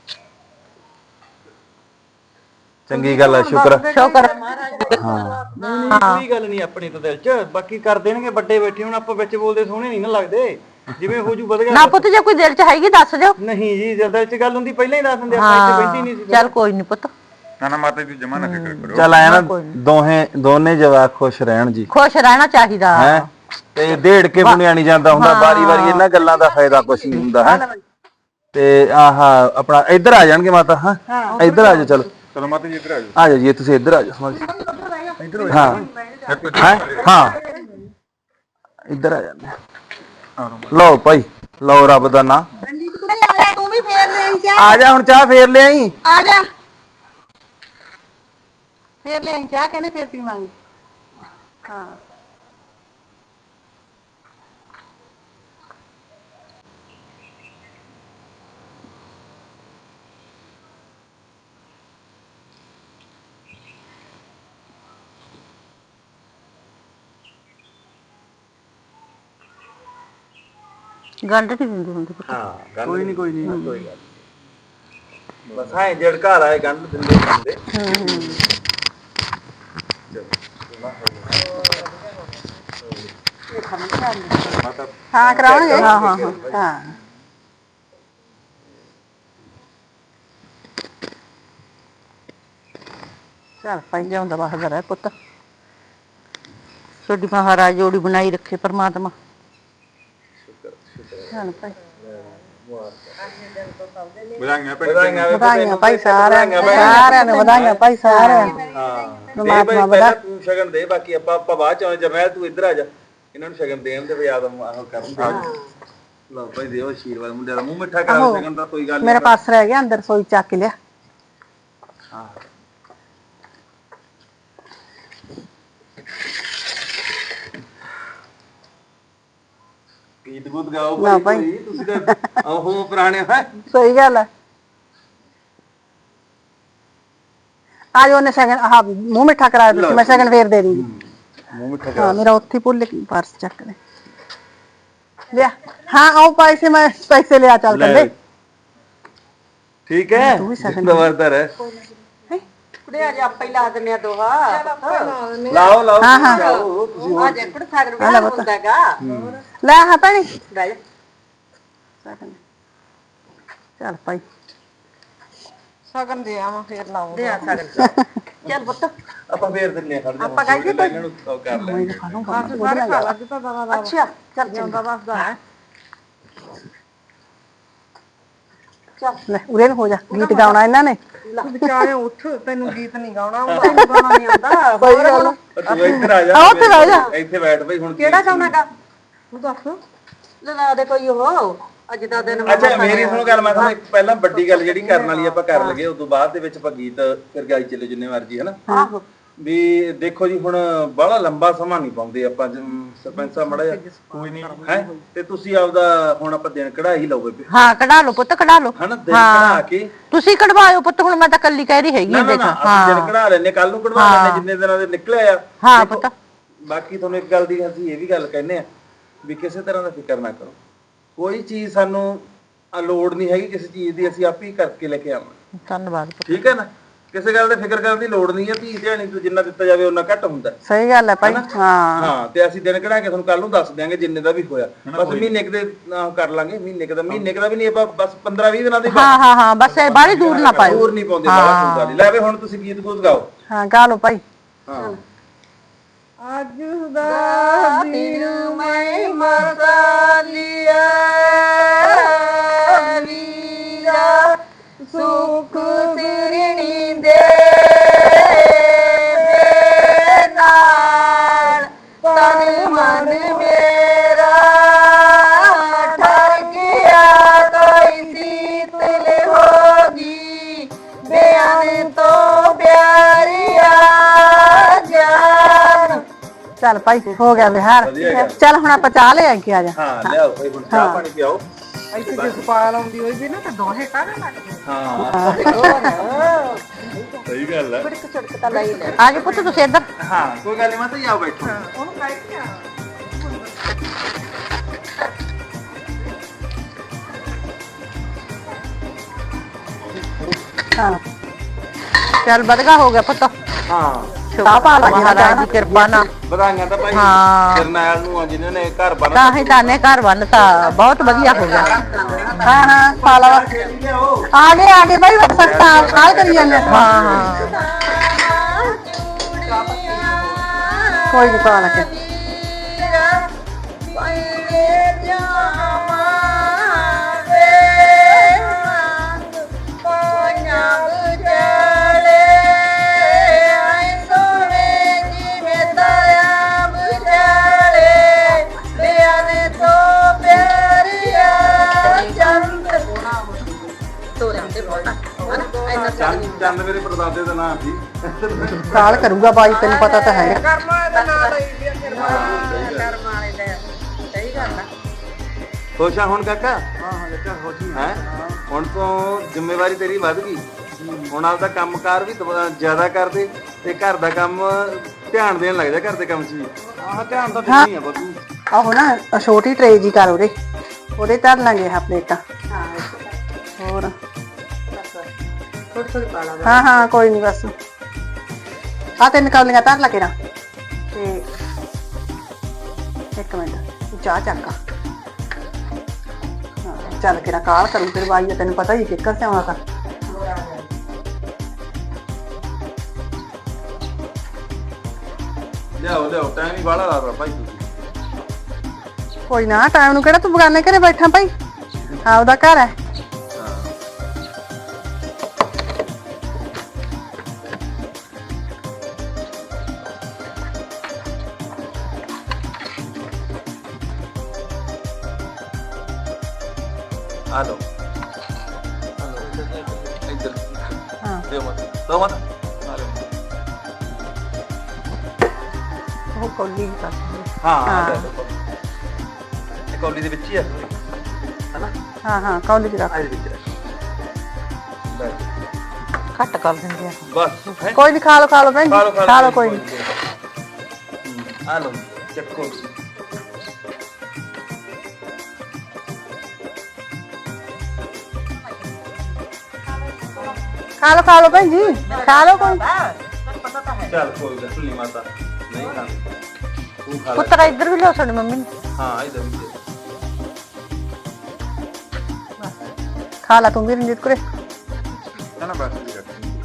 Speaker 1: ਚੰਗੀ ਗੱਲ ਹੈ, ਸ਼ੁਕਰ ਹੈ।
Speaker 6: ਸ਼ੁਕਰ
Speaker 2: ਨਹੀਂ ਕੋਈ ਗੱਲ ਨਹੀਂ ਆਪਣੀ ਤਾਂ ਦਿਲ 'ਚ, ਬਾਕੀ ਕਰ ਦੇਣਗੇ ਵੱਡੇ ਬੈਠੇ। ਹੁਣ ਆਪਾਂ ਵਿੱਚ ਬੋਲਦੇ ਸੋਹਣੇ ਨਹੀਂ ਨਾ ਲੱਗਦੇ, ਜਿਵੇਂ ਹੋ ਜੂ ਵਧ ਗਿਆ।
Speaker 6: ਨਾ ਪੁੱਤ ਜੇ ਕੋਈ ਦਿਲ 'ਚ ਹੈਗੀ ਦੱਸ ਦਿਓ।
Speaker 2: ਨਹੀਂ ਜੀ ਜਦ ਦਿਲ 'ਚ ਗੱਲ ਹੁੰਦੀ ਪਹਿਲਾਂ ਹੀ ਦੱਸ ਦਿੰਦੇ, ਆਪਾਂ ਇੱਥੇ ਬੈਠੀ ਨਹੀਂ ਸੀ।
Speaker 6: ਚੱਲ ਕੋਈ ਨਹੀਂ ਪੁੱਤ,
Speaker 8: ਨਾ ਮਾਤਾ ਜੀ ਜਮਾ ਨਾ ਫਿਕਰ ਕਰੋ।
Speaker 1: ਚੱਲ ਆਇਆ ਨਾ, ਦੋਨੇ ਜਵਾਕ ਖੁਸ਼ ਰਹਿਣ ਜੀ,
Speaker 6: ਖੁਸ਼ ਰਹਿਣਾ ਚਾਹੀਦਾ।
Speaker 1: ਹੈ ਤੇ ਢੇੜ ਕੇ ਬੁਣਿਆ ਨਹੀਂ ਜਾਂਦਾ ਹੁੰਦਾ, ਵਾਰੀ ਵਾਰੀ ਇਹਨਾਂ ਗੱਲਾਂ ਦਾ ਫਾਇਦਾ ਕੁਛ ਨਹੀਂ ਹੁੰਦਾ ਹੈ। ਤੇ ਆਹ ਆਪਣਾ ਇੱਧਰ ਆ ਜਾਣਗੇ ਮਾਤਾ। ਹਾਂ ਇੱਧਰ ਆ ਜਾਓ, ਚਲੋ
Speaker 8: ਚਲੋ ਮਾਤਾ ਜੀ ਇੱਧਰ ਆ ਜਾਓ।
Speaker 1: ਆ ਜਾਓ ਜੀ, ਤੁਸੀਂ ਇੱਧਰ ਆ ਜਾਓ ਸਮਝ। ਹਾਂ ਹਾਂ ਇੱਧਰ ਆ ਜਾਂਦੇ। ਲਓ ਭਾਈ, ਲਓ ਰੱਬ ਦਾ ਨਾਂ।
Speaker 5: ਤੂੰ ਵੀ ਫੇਰ ਲੈ ਆਈ
Speaker 1: ਆ ਜਾ ਹੁਣ, ਚਾਹ ਫੇਰ ਲਿਆਈ।
Speaker 5: ਆ ਜਾ ਫੇਰ ਲੈ ਆਈ ਚਾਹ, ਕਹਿੰਦੇ ਫੇਰ ਪੀਵਾਂਗੇ। ਹਾਂ
Speaker 6: ਗੰਢ ਨਹੀਂ ਦਿੰਦੀ ਹੁੰਦੀ ਪੁੱਤ।
Speaker 1: ਹਾਂ ਕੋਈ ਨਹੀਂ ਕੋਈ ਨਹੀਂ, ਕੋਈ ਗੱਲ ਬਸ ਹਾਂ ਜੜ ਘਰ ਆਏ ਗੰਢ ਦਿੰਦੇ ਹੁੰਦੇ।
Speaker 5: ਹਾਂ ਕਰਾਉਣਗੇ। ਹਾਂ ਹਾਂ ਹਾਂ
Speaker 6: ਚੱਲ ਭਾਈ ਲਿਆਉਂਦਾ ਬਾਹਰ ਰਹਿ ਪੁੱਤ, ਤੁਹਾਡੀ ਮਹਾਰਾਜ ਜੋੜੀ ਬਣਾਈ ਰੱਖੇ ਪਰਮਾਤਮਾ।
Speaker 5: ਚੱਲ ਭਾਈ
Speaker 8: ਵਧਾਈਆਂ ਭੈਣ।
Speaker 5: ਵਧਾਈਆਂ ਭਾਈ ਸਾਰਿਆਂ ਨੂੰ, ਸਾਰਿਆਂ ਨੂੰ ਵਧਾਈਆਂ ਭਾਈ, ਸਾਰਿਆਂ ਨੂੰ।
Speaker 1: ਪਰਮਾਤਮਾ ਬੜਾ ਤੂੰ ਸ਼ਗਨ ਦੇ, ਬਾਕੀ ਆਪਾਂ ਬਾਅਦ ਚ ਆਉਂ। ਜਰਨੈਲ ਤੂੰ ਇੱਧਰ ਆ ਜਾ, ਇਹਨਾਂ ਨੂੰ ਸ਼ਗਨ ਦੇਣ ਦੇ ਯਾਦ ਆਹ ਕਰਨ ਦੇ। ਲਓ ਭਾਈ ਦਿਓ ਆਸ਼ੀਰਵਾਦ, ਮੁੰਡੇ ਦਾ ਮੂੰਹ ਮਿੱਠਾ ਕਰ। ਸ਼ਗਨ ਦਾ ਕੋਈ ਗੱਲ
Speaker 5: ਮੇਰਾ ਪਾਸ ਰਹਿ ਗਿਆ ਅੰਦਰ, ਸੋਈ ਚੱਕ ਲਿਆ।
Speaker 1: ਗੀਤ ਗੂਤ ਗਾਓ
Speaker 5: ਨਾ
Speaker 1: ਭਾਈ
Speaker 5: ਭਾਈ।
Speaker 1: ਕੋਈ, ਤੁਸੀਂ ਤਾਂ ਉਹ ਪੁਰਾਣੇ ਹੈ।
Speaker 5: ਸਹੀ ਗੱਲ ਹੈ। आज ਉਹਨੇ ਸਗਨ ਆਹ ਮੂੰਹ ਮਿੱਠਾ ਕਰਾ ਦਿੱਤਾ, ਮੈਂ ਸਗਨ ਫੇਰ ਦੇ ਦੂੰਗੀ।
Speaker 1: ਮੂੰਹ ਮਿੱਠਾ
Speaker 5: ਹਾਂ ਮੇਰਾ ਉੱਥੇ ਹੀ ਭੁੱਲ ਗਈ ਪਰਸ ਚੱਕ ਲੈ ਲਿਆ। ਹਾਂ ਆਓ ਪੈਸੇ, ਮੈਂ ਪੈਸੇ ਲਿਆ ਚੱਲ
Speaker 1: ਲੈ।
Speaker 5: ਕੱਲੇ।
Speaker 1: ਠੀਕ ਹੈ
Speaker 5: ਤੂੰ ਵੀ ਸ਼ਗਨ
Speaker 1: ਨਵਾਰਦਾਰ ਹੈ।
Speaker 7: ਕੁੜੇ ਆ ਜਾ ਆਪਾਂ ਹੀ ਲਾ ਦਿੰਨੇ ਆ ਦੋਹਾ
Speaker 1: ਲਾਓ ਲਾਓ
Speaker 5: ਹਾਂ, ਹਾਂ।
Speaker 1: ਲਾਓ, ਤੁਸੀਂ ਹੋਰ
Speaker 7: ਆ ਜੇ ਕੁੜ ਸਾਗਰ ਵਿਆਹ ਹੁੰਦਾ ਹੈਗਾ
Speaker 5: ਲੈ ਹਾਂ ਭੈਣੇ
Speaker 7: ਬਹਿ ਜਾ
Speaker 5: ਸਗਨ ਚੱਲ ਭਾਈ ਸਗਨ ਦੇ ਆਵਾਂ ਫੇਰ ਲਾਉਂ
Speaker 7: ਦੇ ਆ ਸਾਗਰ ਚੱਲ ਪੁੱਤ
Speaker 1: ਆਪਾਂ ਫੇਰ ਦਿੰਨੇ ਆ, ਖੜ ਜਾ
Speaker 7: ਆਪਾਂ ਗਾਈਏ ਕੋਈ?
Speaker 1: ਇਹਨਾਂ ਨੂੰ ਉਹ ਕਰ ਲੈ।
Speaker 7: ਅੱਛਾ ਚੱਲ ਜਾਂਦਾ ਬਸਦਾ ਹੈ
Speaker 5: ਲੈ ਉਰੇ ਨੂੰ ਹੋ ਜਾ, ਗੀਤ ਗਾਉਣਾ ਇਹਨਾਂ ਨੇ।
Speaker 7: ਵਿਚਾਰੇ ਉੱਠ ਤੈਨੂੰ ਗੀਤ ਨਹੀਂ ਗਾਉਣਾ ਆਉਂਦਾ ਤੈਨੂੰ ਗਾਉਣਾ ਨਹੀਂ ਆਉਂਦਾ
Speaker 5: ਸਹੀ ਗੱਲ ਆ।
Speaker 1: ਤੂੰ ਇੱਧਰ ਆ ਜਾ,
Speaker 5: ਆ ਉੱਥੇ ਬਹਿ ਜਾ।
Speaker 1: ਇੱਥੇ ਬੈਠ ਬਈ ਹੁਣ।
Speaker 7: ਕਿਹੜਾ ਗਾਉਣਾਗਾ ਤੂੰ ਦੱਸ ਲਾ ਦੇ ਕੋਈ ਉਹ ਅੱਜ ਦਾ ਦਿਨ
Speaker 1: ਅੱਛਾ ਮੇਰੀ ਸੁਣੋ ਗੱਲ, ਮੈਂ ਤੁਹਾਨੂੰ ਇੱਕ ਪਹਿਲਾਂ ਵੱਡੀ ਗੱਲ ਜਿਹੜੀ ਕਰਨ ਵਾਲੀ ਆਪਾਂ ਕਰ ਲਗੇ, ਉਸ ਤੋਂ ਬਾਅਦ ਦੇ ਵਿੱਚ ਆਪਾਂ ਗੀਤ ਫਿਰ ਗਾਈ ਚੱਲੇ ਜਿੰਨੇ ਮਰਜੀ, ਹਨਾ।
Speaker 7: ਆਹੋ
Speaker 1: ਵੀ ਦੇਖੋ ਜੀ, ਹੁਣ ਬਾਹਲਾ ਲੰਬਾ ਸਮਾਂ ਨਹੀਂ ਪਾਉਂਦੇ ਆਪਾਂ, ਸਰਪੰਚ ਸਾਹਿਬ ਮੜਾ ਕੋਈ ਨਹੀਂ ਹੈ, ਤੇ ਤੁਸੀਂ ਆਪਦਾ ਹੁਣ ਆਪਾਂ ਦਿਨ ਕਢਾ ਹੀ ਲਓ ਬੇਬੇ,
Speaker 6: ਹਾਂ ਕਢਾ ਲਓ ਪੁੱਤ ਕਢਾ ਲਓ
Speaker 1: ਹਨਾ। ਦਿਨ ਕਢਾ ਕੇ
Speaker 6: ਤੁਸੀਂ ਕਢਵਾਇਓ ਪੁੱਤ, ਹੁਣ ਮੈਂ ਤਾਂ ਕੱਲੀ ਕਹਿ ਰਹੀ ਹੈਗੀ
Speaker 1: ਨਾ ਨਾ ਨਾ ਅਸੀਂ ਦਿਨ ਕਢਾ ਲੈਨੇ, ਕੱਲ ਨੂੰ ਕਢਵਾ ਲੈਨੇ ਜਿੰਨੇ ਦਿਨਾਂ ਦੇ ਨਿਕਲਿਆ ਆ।
Speaker 6: ਹਾਂ
Speaker 1: ਦੇਖੋ,
Speaker 6: ਪੁੱਤ।
Speaker 1: ਬਾਕੀ ਤੁਹਾਨੂੰ ਇੱਕ ਗੱਲ ਦੀ ਅਸੀਂ ਇਹ ਵੀ ਗੱਲ ਕਹਿੰਦੇ ਆ ਵੀ ਕਿਸੇ ਤਰ੍ਹਾਂ ਦਾ ਫਿਕਰ ਨਾ ਕਰੋ, ਕੋਈ ਚੀਜ਼ ਸਾਨੂੰ ਲੋੜ ਨਹੀਂ ਹੈਗੀ ਕਿਸੇ ਚੀਜ਼ ਦੀ, ਅਸੀਂ ਆਪ ਹੀ ਕਰਕੇ ਲੈ ਕੇ ਆਵਾਂਗੇ।
Speaker 6: ਧੰਨਵਾਦ ਪੁੱਤ।
Speaker 1: ਠੀਕ ਹੈ ਨਾ, ਕਿਸੇ ਗੱਲ ਦੇ ਫਿਕਰ ਕਰਨ ਦੀ ਲੋੜ ਨਹੀਂ ਹੈ। ਧੀ ਧਿਆਣੀ ਤੋਂ ਜਿੰਨਾ ਦਿੱਤਾ ਜਾਵੇ ਉਹਨਾਂ ਘੱਟ ਹੁੰਦਾ।
Speaker 5: ਸਹੀ ਗੱਲ ਹੈ ਭਾਈ। ਹਾਂ
Speaker 1: ਹਾਂ ਤੇ ਅਸੀਂ ਦਿਨ ਕਢਾ ਕੇ ਤੁਹਾਨੂੰ ਕੱਲ ਨੂੰ ਦੱਸ ਦਿਆਂਗੇ ਜਿੰਨੇ ਦਾ ਵੀ ਹੋਇਆ। ਬਸ ਮਹੀਨੇ ਕੁ ਦੇ ਕਰ ਲਾਂਗੇ, ਮਹੀਨੇ ਕੁ ਦਾ ਵੀ ਨਹੀਂ, ਆਪਾਂ ਬਸ 15-20 ਦਿਨਾਂ ਦੇ
Speaker 6: ਹਾਂ ਹਾਂ ਹਾਂ ਬਸ ਇਹ ਬਾਹਲੀ ਦੂਰ ਨਾ ਪਾਇਓ।
Speaker 1: ਦੂਰ ਨਹੀਂ ਪਾਉਂਦੇ ਬਾਹਲਾ ਕੋਈ ਗੱਲ ਨਹੀਂ। ਲੈ ਵੇ ਹੁਣ ਤੁਸੀਂ ਗੀਤ ਗੂਤ ਗਾਓ।
Speaker 5: ਹਾਂ ਗਾ ਲਓ ਭਾਈ।
Speaker 1: ਹਾਂ
Speaker 5: ਅੱਜ ਦਾ ਦਿਨ ਮੈਂ ਮਰਦਾ ਲਿਆ ਵੀਰਾ, ਸੁਖ ਸਿਰਣੀ ਦੇ ਨਾਲ ਤਨ ਮਨ ਮੇਰਾ ਠਰ ਗਿਆ, ਕੋਈ ਸੀਤਲ ਹੋਗੀ ਬਿਆਨ ਤੋਂ ਪਿਆਰਿਆ ਜਾਨ। ਚੱਲ ਭਾਈ ਹੋ ਗਿਆ ਵਿਹਾਰ। ਚੱਲ ਹੁਣ ਆਪਾਂ ਚਾਹ ਲੈ ਕੇ ਆ ਜਾ।
Speaker 1: ਹਾਂ ਲਿਆਓ ਭਾਈ, ਹੁਣ ਚਾਹ ਪਾਣੀ ਪਿਆਓ।
Speaker 5: ਇੱਥੇ ਜੇ ਸਪਾਲ ਆਉਂਦੀ ਹੋਈ ਵੀ ਨਾ ਤਾਂ ਦੋਹੇ ਕਾਹਦੇ ਲੱਗਦੇ।
Speaker 1: ਹਾਂ ਸਹੀ ਗੱਲ ਹੈ।
Speaker 7: ਇੱਕ ਛੜਕ ਤਾਂ ਲਈ ਲੈ
Speaker 6: ਆ ਜਾਓ ਪੁੱਤ ਤੁਸੀਂ ਇੱਧਰ।
Speaker 1: ਹਾਂ ਕੋਈ ਗੱਲ ਨਹੀਂ, ਮੈਂ ਤਾਂ ਆਓ ਬੈਠੋ।
Speaker 5: ਉਹਨੂੰ ਕਹਿ ਕੇ ਆ। ਹਾਂ ਚੱਲ ਵਧਗਾ ਹੋ ਗਿਆ ਪੁੱਤ।
Speaker 1: ਹਾਂ
Speaker 5: ਚਾਹ ਪਾ ਲਾ
Speaker 6: ਮਹਾਰਾਜ ਦੀ ਕਿਰਪਾ ਨਾਲ
Speaker 1: ਵਧਾਈਆਂ ਤਾਂ ਭਾਈ
Speaker 6: ਹਾਂ।
Speaker 1: ਜਰਨੈਲ ਨੂੰ ਆ ਜਿਨ੍ਹਾਂ ਨੇ ਘਰ ਬਣਾ
Speaker 6: ਤਾਂ ਹੀ ਤਾਂ ਨੇ ਘਰ ਬੰਨਤਾ, ਬਹੁਤ ਵਧੀਆ ਹੋ ਗਿਆ।
Speaker 5: ਹਾਂ ਹਾਂ ਪਾ ਲਾ। ਆ ਗਏ ਭਾਈ ਸਖਤਾ ਕਾਲ ਕਰੀ ਜਾਂਦੇ।
Speaker 6: ਹਾਂ ਹਾਂ
Speaker 5: ਕੋਈ ਨਹੀਂ ਪਾ ਲਾ ਕੇ।
Speaker 1: ਚੰਦ ਮੇਰੇ ਪਰਦਾਦੇ ਦਾ ਨਾਮ ਸੀ।
Speaker 5: ਕਾਲ ਕਰੂਗਾ ਬਾਈ, ਤੈਨੂੰ ਪਤਾ ਤਾਂ ਹੈ।
Speaker 1: ਖੁਸ਼ ਆ ਹੁਣ ਕਾਕਾ? ਹਾਂ ਕਾਕਾ ਖੁਸ਼ ਹੈ। ਹੁਣ ਤੋਂ ਜ਼ਿੰਮੇਵਾਰੀ ਤੇਰੀ ਵੱਧ ਗਈ, ਹੁਣ ਆਪਦਾ ਕੰਮਕਾਰ ਵੀ ਜ਼ਿਆਦਾ ਕਰਦੇ ਤੇ ਘਰ ਦਾ ਕੰਮ ਧਿਆਨ ਦੇਣ ਲੱਗ ਜਾ, ਘਰ ਦੇ ਕੰਮ 'ਚ ਵੀ। ਆਹ ਧਿਆਨ ਤਾਂ ਦੇਣੀ ਆ ਬੱਬੂ।
Speaker 5: ਆਹੋ ਨਾ ਛੋਟੀ ਟਰੇ ਜੀ ਕਰ ਉਹਦੇ ਧਰ ਲਾਂਗੇ ਆਹ ਪਲੇਟਾਂ। ਹੋਰ
Speaker 7: ਥੋੜੀ ਪਾ ਲਾ
Speaker 5: ਹਾਂ ਹਾਂ ਕੋਈ ਨਹੀਂ ਬਸ ਆ ਤਿੰਨ ਕੌਲੀਆਂ ਧਰ ਲਾ ਕੇ ਨਾ। ਤੇ ਇੱਕ ਮਿੰਟ ਚਾਹ ਚੱਕਾ। ਹਾਂ ਚੱਲ ਕੇ ਨਾ ਕਾਲ ਕਰੂ ਤੇਰੀ ਬਾਈ, ਤੈਨੂੰ ਪਤਾ ਹੀ ਕਿੱਕਰ ਸੇ ਆਉਣਾ ਤਾਂ।
Speaker 1: ਲਿਆਓ ਟਾਈਮ ਹੀ ਬਾਹਲਾ ਲਾਦਾ ਭਾਈ ਤੁਸੀਂ।
Speaker 5: ਕੋਈ ਨਾ ਟਾਈਮ ਨੂੰ ਕਿਹੜਾ ਤੂੰ ਬਗਾਨੇ ਘਰੇ ਬੈਠਾ ਭਾਈ, ਆਪਦਾ ਘਰ ਹੈ।
Speaker 1: ਆ ਲਓ ਇੱਧਰ
Speaker 5: ਹਾਂ
Speaker 1: ਦਿਓ ਮਤ ਆ ਲਓ।
Speaker 5: ਉਹ ਕੋਲੀ ਕਰ।
Speaker 1: ਹਾਂ ਕੌਲੀ ਦੇ ਵਿੱਚ ਹੀ ਆ ਹਨਾ
Speaker 5: ਹਾਂ ਹਾਂ ਕੌਲੀ ਚ ਰੱਖ।
Speaker 1: ਆ ਇਹਦੇ ਵਿੱਚ ਰੱਖ। ਬਸ
Speaker 7: ਘੱਟ ਕਰ ਦਿੰਦੇ ਆ
Speaker 1: ਬਸ ਹੈਂ?
Speaker 5: ਕੋਈ ਨਹੀਂ ਖਾ ਲਓ ਭੈਣ ਜੀ ਖਾ ਲਓ ਕੋਈ ਨਹੀਂ।
Speaker 1: ਆ ਲਓ ਚੱਕੋ
Speaker 5: ਖਾ ਲਓ ਭੈਣ ਜੀ ਖਾ ਲਓ ਕੋਈ।
Speaker 1: ਚੱਲ ਕੋਈ ਗੱਲ ਨਹੀਂ ਮਾਤਾ ਨਹੀਂ ਖਾਣੀ ਤੂੰ ਖਾ ਲੈ
Speaker 5: ਪੁੱਤਰਾ ਇੱਧਰ ਵੀ ਲਿਓ ਤੁਹਾਡੀ ਮੰਮੀ ਨੂੰ।
Speaker 1: ਹਾਂ ਇਧਰ ਵੀ ਦੇ।
Speaker 5: ਖਾ ਲਾ ਤੂੰ ਵੀ ਰਣਜੀਤ ਕੁਰੇ।
Speaker 8: ਨਾ ਨਾ ਬਸ ਜੀ ਰੱਖ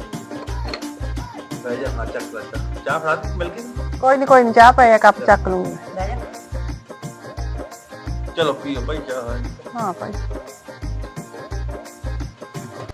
Speaker 1: ਬਹਿ ਜਾ ਹਾਂ ਚੱਕ ਲੈ ਚਾਹ ਫੜਾ ਦੇ ਮਿਲ ਗਈ
Speaker 5: ਕੋਈ ਨਹੀਂ ਚਾਹ ਪਿਆ ਕੱਪ ਚੱਕ ਲੂੰਗੀ।
Speaker 1: ਚਲੋ ਪੀਓ ਭਾਈ ਚਾਹ
Speaker 5: ਹਾਂ ਭਾਈ